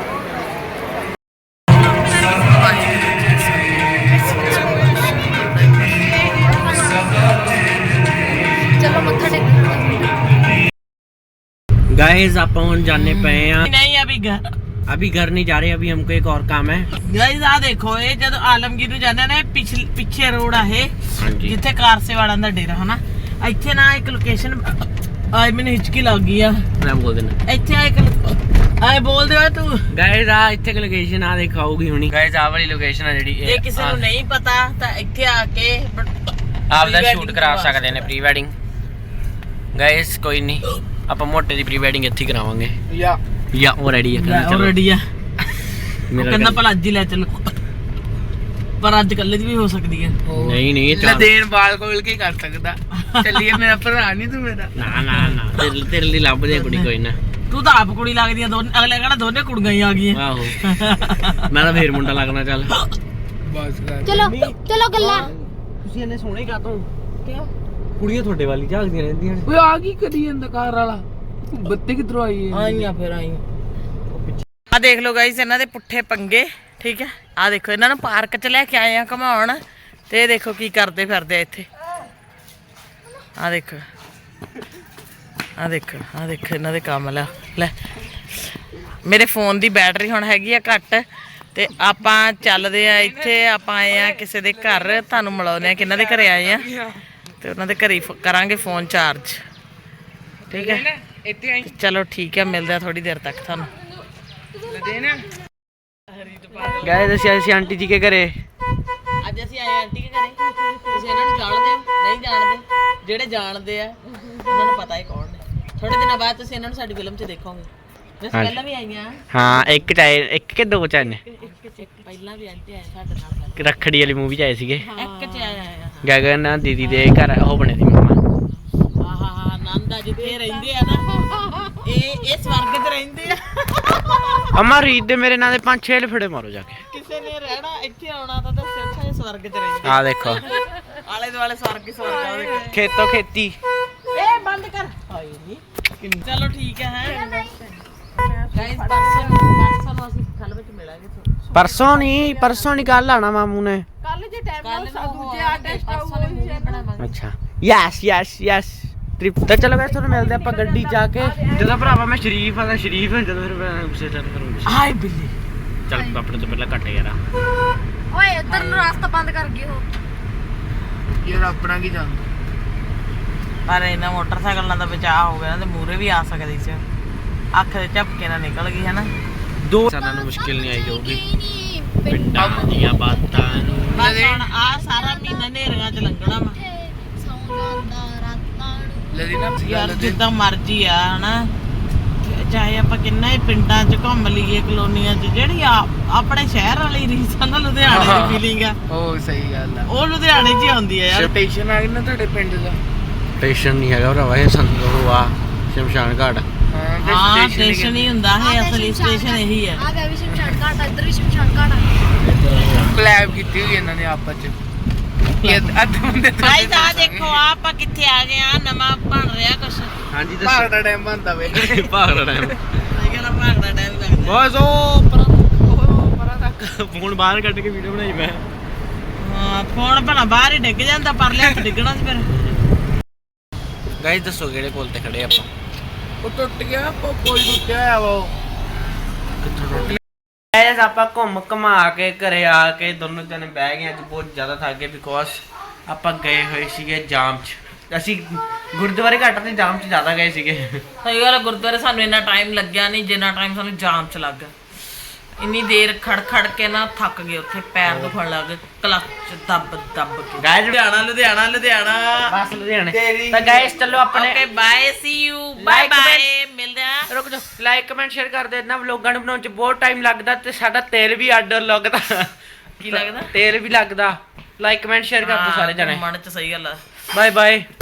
ਚਲੋ ਮੱਥਾ ਟੇਕ
गाइस अपन हम जाने पे हैं
नहीं अभी घर
अभी घर नहीं जा रहे अभी हमको एक और काम है
ਗਾਇਸ ਆ ਦੇਖੋ ਇਹ ਜਦੋਂ ਆਲਮਗੀਰ ਨੂੰ ਜਾਂਦੇ ਨੇ ਪਿਛਲੇ ਪਿੱਛੇ ਰੋਡ ਆ ਇਹ
ਹਾਂਜੀ
ਜਿੱਥੇ ਕਾਰਸੇ ਵਾਲਿਆਂ ਦਾ ਡੇਰਾ ਹਨਾ ਇੱਥੇ ਨਾ ਇੱਕ ਲੋਕੇਸ਼ਨ ਆਈ ਮੈਨੂੰ ਹਿਚਕੀ ਲੱਗ ਗਈ ਆ
मैं बोल देना
ਇੱਥੇ ਆ ਇੱਕ ਆਏ ਬੋਲਦੇ ਹੋ ਤੂੰ
गाइस आ ਇੱਥੇ ਲੋਕੇਸ਼ਨ ਆ ਦਿਖਾਉਗੀ ਹੁਣੀ गाइस ਆ ਵਾਲੀ ਲੋਕੇਸ਼ਨ ਆ ਜਿਹੜੀ
ਜੇ ਕਿਸੇ ਨੂੰ ਨਹੀਂ ਪਤਾ ਤਾਂ ਇੱਥੇ ਆ ਕੇ
ਆਪ ਦਾ ਸ਼ੂਟ ਕਰਾ ਸਕਦੇ ਨੇ ਪ੍ਰੀ ਵੈਡਿੰਗ गाइस ਕੋਈ ਨਹੀਂ ਆਪਾਂ ਮੋਟੇ ਦੀ ਪ੍ਰੀ ਵੈਡਿੰਗ ਇੱਥੇ ਕਰਾਵਾਂਗੇ
ਯਾ
ਯਾ ਉਹ ਰੈਡੀ ਹੈ
ਆਲਰੇਡੀ ਆ
ਮੇਰਾ
ਕਹਿੰਦਾ ਭਲਾ ਅੱਜ ਹੀ ਲੈ ਚੱਲੋ ਪਰ ਅੱਜ ਕੱਲੇ ਦੀ ਵੀ ਹੋ ਸਕਦੀ ਹੈ।
ਨਹੀਂ ਨਹੀਂ
ਲੈ ਦੇਣ ਬਾਲ ਖੋਲ ਕੇ ਕਰ ਸਕਦਾ। ਚੱਲੀਏ ਮੇਰਾ ਭਰਾ ਨਹੀਂ ਤੂੰ ਮੇਰਾ।
ਨਾ ਨਾ ਨਾ ਤੇਰੇ ਤੇਰੇ ਲਈ ਲੱਭਦੇ ਆ ਕੁੜੀ ਕੋਈ ਨਾ।
ਤੂੰ ਤਾਂ ਆਪ ਕੁੜੀ ਲੱਗਦੀ ਆ ਦੋਨੇ ਅਗਲੇ ਕਹਿੰਦਾ ਦੋਨੇ ਕੁੜੀਆਂ ਹੀ ਆ ਗਈਆਂ।
ਆਹੋ ਮੈਂ ਤਾਂ ਫੇਰ ਮੁੰਡਾ ਲੱਗਣਾ ਚੱਲ।
ਬਸ ਕਰ।
ਚਲੋ ਚਲੋ ਗੱਲਾਂ
ਤੁਸੀਂ ਇੰਨੇ ਸੋਹਣੇ ਕਾ ਤੋਂ
ਕਿਉਂ
ਕੁੜੀਆਂ ਤੁਹਾਡੇ ਵਾਲੀ ਝਾਕਦੀਆਂ ਰਹਿੰਦੀਆਂ ਨੇ।
ਓਏ ਆ ਕੀ ਕਰੀ ਜਾਂਦਾ ਕਾਰ ਵਾਲਾ? ਬੱਤੀ ਕਿੱਧਰੋਂ ਆਈ ਹੈ?
ਆਈਆਂ ਫਿਰ ਆਈਆਂ। ਆ ਦੇਖ ਲਓ ਗਾਇਸ ਇਹਨਾਂ ਦੇ ਪੁੱਠੇ ਪੰਗੇ। ਠੀਕ ਹੈ ਆ ਦੇਖੋ ਇਹਨਾਂ ਨੂੰ ਪਾਰਕ ਚ ਲੈ ਕੇ ਆਏ ਆ ਘਮਾਉਣ ਤੇ ਇਹ ਦੇਖੋ ਕੀ ਕਰਦੇ ਫਿਰਦੇ ਆ ਇੱਥੇ। ਆ ਦੇਖੋ ਆ ਦੇਖੋ ਆ ਦੇਖੋ ਇਹਨਾਂ ਦੇ ਕੰਮ ਲੈ ਲੈ। ਮੇਰੇ ਫੋਨ ਦੀ ਬੈਟਰੀ ਹੁਣ ਹੈਗੀ ਆ ਘੱਟ ਤੇ ਆਪਾਂ ਚੱਲਦੇ ਆ ਇੱਥੇ। ਆਪਾਂ ਆਏ ਆ ਕਿਸੇ ਦੇ ਘਰ, ਤੁਹਾਨੂੰ ਮਿਲਾਉਂਦੇ ਆ ਕਿਹਨਾਂ ਦੇ ਘਰੇ ਆਏ ਆ ਤੇ ਉਹਨਾਂ ਦੇ ਘਰੇ ਕਰਾਂਗੇ ਫੋਨ ਚਾਰਜ। ਠੀਕ ਹੈ
ਇੱਥੇ ਆਈ
ਚਲੋ ਠੀਕ ਹੈ ਮਿਲਦੇ ਆ ਥੋੜੀ ਦੇਰ ਤੱਕ ਤੁਹਾਨੂੰ।
ਦੇ ਨਾ
ਗਏ ਅਸੀਂ ਅਸੀਂ ਆਂਟੀ ਜੀ ਕੇ ਘਰੇ।
ਅੱਜ ਅਸੀਂ ਆਏ ਆਂਟੀ ਦੇ ਘਰੇ। ਤੁਸੀਂ ਇਹਨਾਂ ਨੂੰ ਜਾਣਦੇ ਹੋ? ਨਹੀਂ ਜਾਣਦੇ? ਜਿਹੜੇ ਜਾਣਦੇ ਆ ਉਹਨਾਂ ਨੂੰ ਪਤਾ ਹੀ ਕੌਣ ਨੇ। ਥੋੜੇ ਦਿਨਾਂ ਬਾਅਦ ਤੁਸੀਂ ਇਹਨਾਂ ਨੂੰ ਸਾਡੀ ਫਿਲਮ 'ਚ ਦੇਖੋਗੇ। ਵੈਸੇ ਪਹਿਲਾਂ ਵੀ ਆਈਆਂ
ਹਾਂ ਇੱਕ ਚਾਹੇ ਇੱਕ ਕਿ ਦੋ ਚਾਹੇ
ਇੱਕ ਚ ਪਹਿਲਾਂ ਵੀ ਆਂਟੀ ਆਏ ਸਾਡੇ ਨਾਲ।
ਰੱਖੜੀ ਵਾਲੀ ਮੂਵੀ ਚ ਆਏ ਸੀਗੇ।
ਇੱਕ ਚ ਆਏ ਆ
ਗਗਨ ਨਾਲ ਦੀਦੀ ਦੇ ਘਰ ਉਹ ਬਣੇ ਸੀ ਮਮਾ।
ਆਹਾ ਹਾ ਆਨੰਦ ਆ ਜਿੱਥੇ ਰਹਿੰਦੇ ਆ ਨਾ ਇਹ ਇਹ ਸਵਰਗ 'ਚ ਰਹਿੰਦੇ ਆ।
ਅਮਾ ਰੀਤ ਦੇ ਮੇਰੇ ਨਾਲ ਦੇ ਪੰਜ ਛੇ ਲਫੜੇ ਮਾਰੋ ਜਾ ਕੇ।
ਕਿਸੇ ਨੇ ਰਹਿਣਾ ਇੱਥੇ ਆਉਣਾ ਤਾਂ ਦੱਸਿਓ ਇੱਥੇ ਇਹ ਸਵਰਗ 'ਚ ਰਹਿੰਦੇ।
ਆ ਦੇਖੋ
ਆਲੇ ਦੁਆਲੇ ਸਵਰਗ ਹੀ ਸਵਰਗ ਆ ਉਹਦੇ।
ਖੇਤੋਂ ਖੇਤੀ।
ਇਹ ਬੰਦ ਕਰ। ਹਾਏ ਨਹੀਂ ਚਲੋ ਠੀਕ ਹੈ ਹੈ ਗਾਇਸ ਪਰਸਨ ਪਰਸਨ ਨੂੰ ਅਸੀਂ ਕੱਲ ਵਿੱਚ ਮਿਲਾਂਗੇ ਤੁਹਾਨੂੰ।
ਪਰਸੋਂ ਨਹੀਂ ਪਰਸੋਂ ਨਹੀਂ ਕੱਲ ਆਣਾ ਮਾਮੂ ਨੇ।
ਕੱਲ ਜੇ ਟਾਈਮ
ਕੱਲ ਨੂੰ ਦੂਜੇ ਆ ਟੈਸਟ ਆਊਗਾ ਬਣਾਵਾਂਗੇ।
ਅੱਛਾ ਯੈਸ ਯੈਸ ਯੈਸ ਟ੍ਰਿਪ ਤੇ ਚਲੋ ਗਾਇਸ ਤੁਹਾਨੂੰ ਮਿਲਦੇ ਆਪਾਂ ਗੱਡੀ ਜਾ ਕੇ। ਜਦੋਂ ਭਰਾਵਾ ਮੈਂ ਸ਼ਰੀਫ ਆ ਤਾਂ ਸ਼ਰੀਫ ਹਾਂ, ਜਦੋਂ ਫਿਰ ਮੈਂ ਗੁੱਸੇ ਚੱਲ ਫਿਰ
ਹਾਏ ਬਿੱਲੀ
ਚੱਲ ਆਪਣੇ ਤੋਂ ਪਹਿਲਾਂ ਘੱਟ ਯਾਰਾ।
ਓਏ ਇੱਧਰ ਨੂੰ ਰਸਤਾ ਬੰਦ ਕਰ ਗਏ ਹੋ।
ਯਾਰ ਆਪਣਾ ਕੀ ਜਾਂਦਾ।
ਪਰ ਇਹਨਾਂ ਮੋਟਰਸਾਈਕਲਾਂ ਦਾ ਬਚਾਅ ਹੋ ਗਿਆ ਤੇ ਮੂਰੇ ਵੀ ਆ ਸਕਦੀ ਸੀ। ਅੱਖ ਦੇ ਝਪਕੇ ਨਾਲ ਨਿਕਲ ਗਈ ਹੈ ਨਾ। ਦੋ
ਸਾਲਾਂ ਨੂੰ ਮੁਸ਼ਕਿਲ ਨਹੀਂ ਆਈ ਜਾਊਗੀ
ਨਹੀਂ
ਪਿੰਡਾਂ ਦੀਆਂ ਬਾਤਾਂ ਨੂੰ।
ਬਸ ਹੁਣ ਆ ਸਾਰਾ ਮਹੀਨਾ ਨੇਰੀਆਂ ਚ ਲੰਘਣਾ ਵਾ
ਸੌਂ ਜਾਂਦਾ ਰਾਤਾਂ ਨੂੰ।
ਲਦੀ ਨਾ
ਯਾਰ ਜਿੱਦਾਂ ਮਰਜ਼ੀ ਆ ਹਨਾ। ਚਾਹੇ ਆਪਾਂ ਕਿੰਨਾ ਹੀ ਪਿੰਡਾਂ 'ਚ ਘੁੰਮ ਲਈਏ ਕਲੋਨੀਆਂ 'ਚ, ਜਿਹੜੀ ਆ ਆਪਣੇ ਸ਼ਹਿਰ ਵਾਲੀ ਰੀਸ ਆ ਨਾ ਲੁਧਿਆਣੇ ਦੀ ਫੀਲਿੰਗ ਆ
ਉਹ ਸਹੀ ਗੱਲ ਆ।
ਉਹ ਲੁਧਿਆਣੇ 'ਚ ਹੀ ਆਉਂਦੀ ਆ ਯਾਰ।
ਸਟੇਸ਼ਨ ਆ ਗਿਆ ਨਾ ਤੁਹਾਡੇ ਪਿੰਡ ਦਾ।
ਸਟੇਸ਼ਨ ਨਹੀਂ ਹੈਗਾ ਭਰਾਵਾ ਇਹ ਸੰਦੋ ਆ ਸ਼ਮਸ਼ਾਨ ਘਾਟ।
ਹਾਂ ਸਟੇਸ਼ਨ ਹੀ ਹੁੰਦਾ ਹੈ ਅਸਲੀ ਸਟੇਸ਼ਨ ਇਹੀ ਹੈ।
ਆ ਗਿਆ ਵੀ ਸ਼ਮਸ਼ਾਨ ਘਾਟ ਆ, ਇੱਧਰ ਵੀ ਸ਼ਮਸ਼ਾਨ ਘਾਟ ਆ।
ਕਲੈਬ ਕੀਤੀ ਹੋਈ ਇਹਨਾਂ ਨੇ ਆਪਸ ਚ। ਇਹ ਅੱਧ ਬੰਦੇ
ਗਾਇਸ ਆ ਦੇਖੋ ਆ ਆਪਾਂ ਕਿੱਥੇ ਆ ਗਏ ਆ। ਨਵਾਂ ਬਣ ਰਿਹਾ ਕੁਛ।
ਹਾਂਜੀ
ਭਾਗ ਦਾ ਟਾਈਮ ਬੰਦਾ ਵੇ।
ਭਾਗ ਦਾ ਟਾਈਮ
ਸਹੀ ਗੱਲ ਆ ਭਾਗ ਦਾ ਟਾਈਮ ਲੱਗਦਾ।
ਬਸ ਉਹ ਪਰਾਂ ਉਹ ਪਰਾਂ ਤੱਕ ਫੋਨ ਬਾਹਰ ਕੱਢ ਕੇ ਵੀਡੀਓ ਬਣਾਈ ਮੈਂ।
ਹਾਂ ਫੋਨ ਭਲਾ ਬਾਹਰ ਹੀ ਡਿੱਗ ਜਾਂਦਾ, ਪਰਲੇ ਹੱਥ ਡਿੱਗਣਾ ਸੀ ਫਿਰ।
ਗਾਇਸ ਦੱਸੋ ਕਿਹੜੇ ਪੁਲ ਤੇ ਖੜੇ ਆਪਾਂ?
ਉਹ ਟੁੱਟ ਗਿਆ ਪੋ- ਕੋਈ ਟੁੱਟਿਆ ਹੋਇਆ ਵਾ ਉਹ।
ਗਾਇਸ ਆਪਾਂ ਘੁੰਮ ਘਮਾ ਕੇ ਘਰੇ ਆ ਕੇ ਦੋਨੋਂ ਜਣੇ ਬਹਿ ਗਏ। ਅੱਜ ਬਹੁਤ ਜ਼ਿਆਦਾ ਥੱਕ ਗਏ ਬਿਕੋਜ਼ ਆਪਾਂ ਗਏ ਹੋਏ ਸੀਗੇ ਜਾਮ 'ਚ। ਅਸੀਂ ਗੁਰਦੁਆਰੇ ਘਾਟ ਤੇ ਜਾਮ 'ਚ ਜ਼ਿਆਦਾ ਗਏ ਸੀਗੇ।
ਸਹੀ ਗੱਲ ਆ, ਗੁਰਦੁਆਰੇ ਸਾਨੂੰ ਇੰਨਾ ਟਾਈਮ ਲੱਗਿਆ ਨਹੀਂ ਜਿੰਨਾ ਟਾਈਮ ਸਾਨੂੰ ਜਾਮ 'ਚ ਲੱਗ ਗਿਆ। ਇੰਨੀ ਦੇਰ ਖੜ ਖੜ ਕੇ ਨਾ ਥੱਕ ਗਏ, ਉੱਥੇ ਪੈਰ ਦੁਖਣ ਲੱਗ ਗਏ ਕਲੱਚ ਦੱਬ ਦੱਬ ਕੇ।
ਗਾਇਸ
ਲੁਧਿਆਣਾ ਲੁਧਿਆਣਾ ਲੁਧਿਆਣਾ
ਬਸ ਲੁਧਿਆਣੇ ਤਾਂ ਗਾਇਸ ਚਲੋ ਆਪਣੇ
okay bye see you bye bye ਮਿਲਦੇ ਆ।
ਰੁਕ ਜਾ ਲਾਈਕ ਕਮੈਂਟ ਸ਼ੇਅਰ ਕਰ ਦੇਣਾ। ਵਲੋਗਾਂ ਨੂੰ ਬਣਾਉਣ 'ਚ ਬਹੁਤ ਟਾਈਮ ਲੱਗਦਾ ਤੇ ਸਾਡਾ ਤੇਲ ਵੀ ਅੱਡ ਲੱਗਦਾ।
ਕੀ ਲੱਗਦਾ?
ਤੇਲ ਵੀ ਲੱਗਦਾ। ਲਾਈਕ ਕਮੈਂਟ ਸ਼ੇਅਰ ਕਰ ਦਿਓ ਸਾਰੇ ਜਣੇ।
ਮਨ 'ਚ ਸਹੀ ਗੱਲ ਆ।
Bye bye.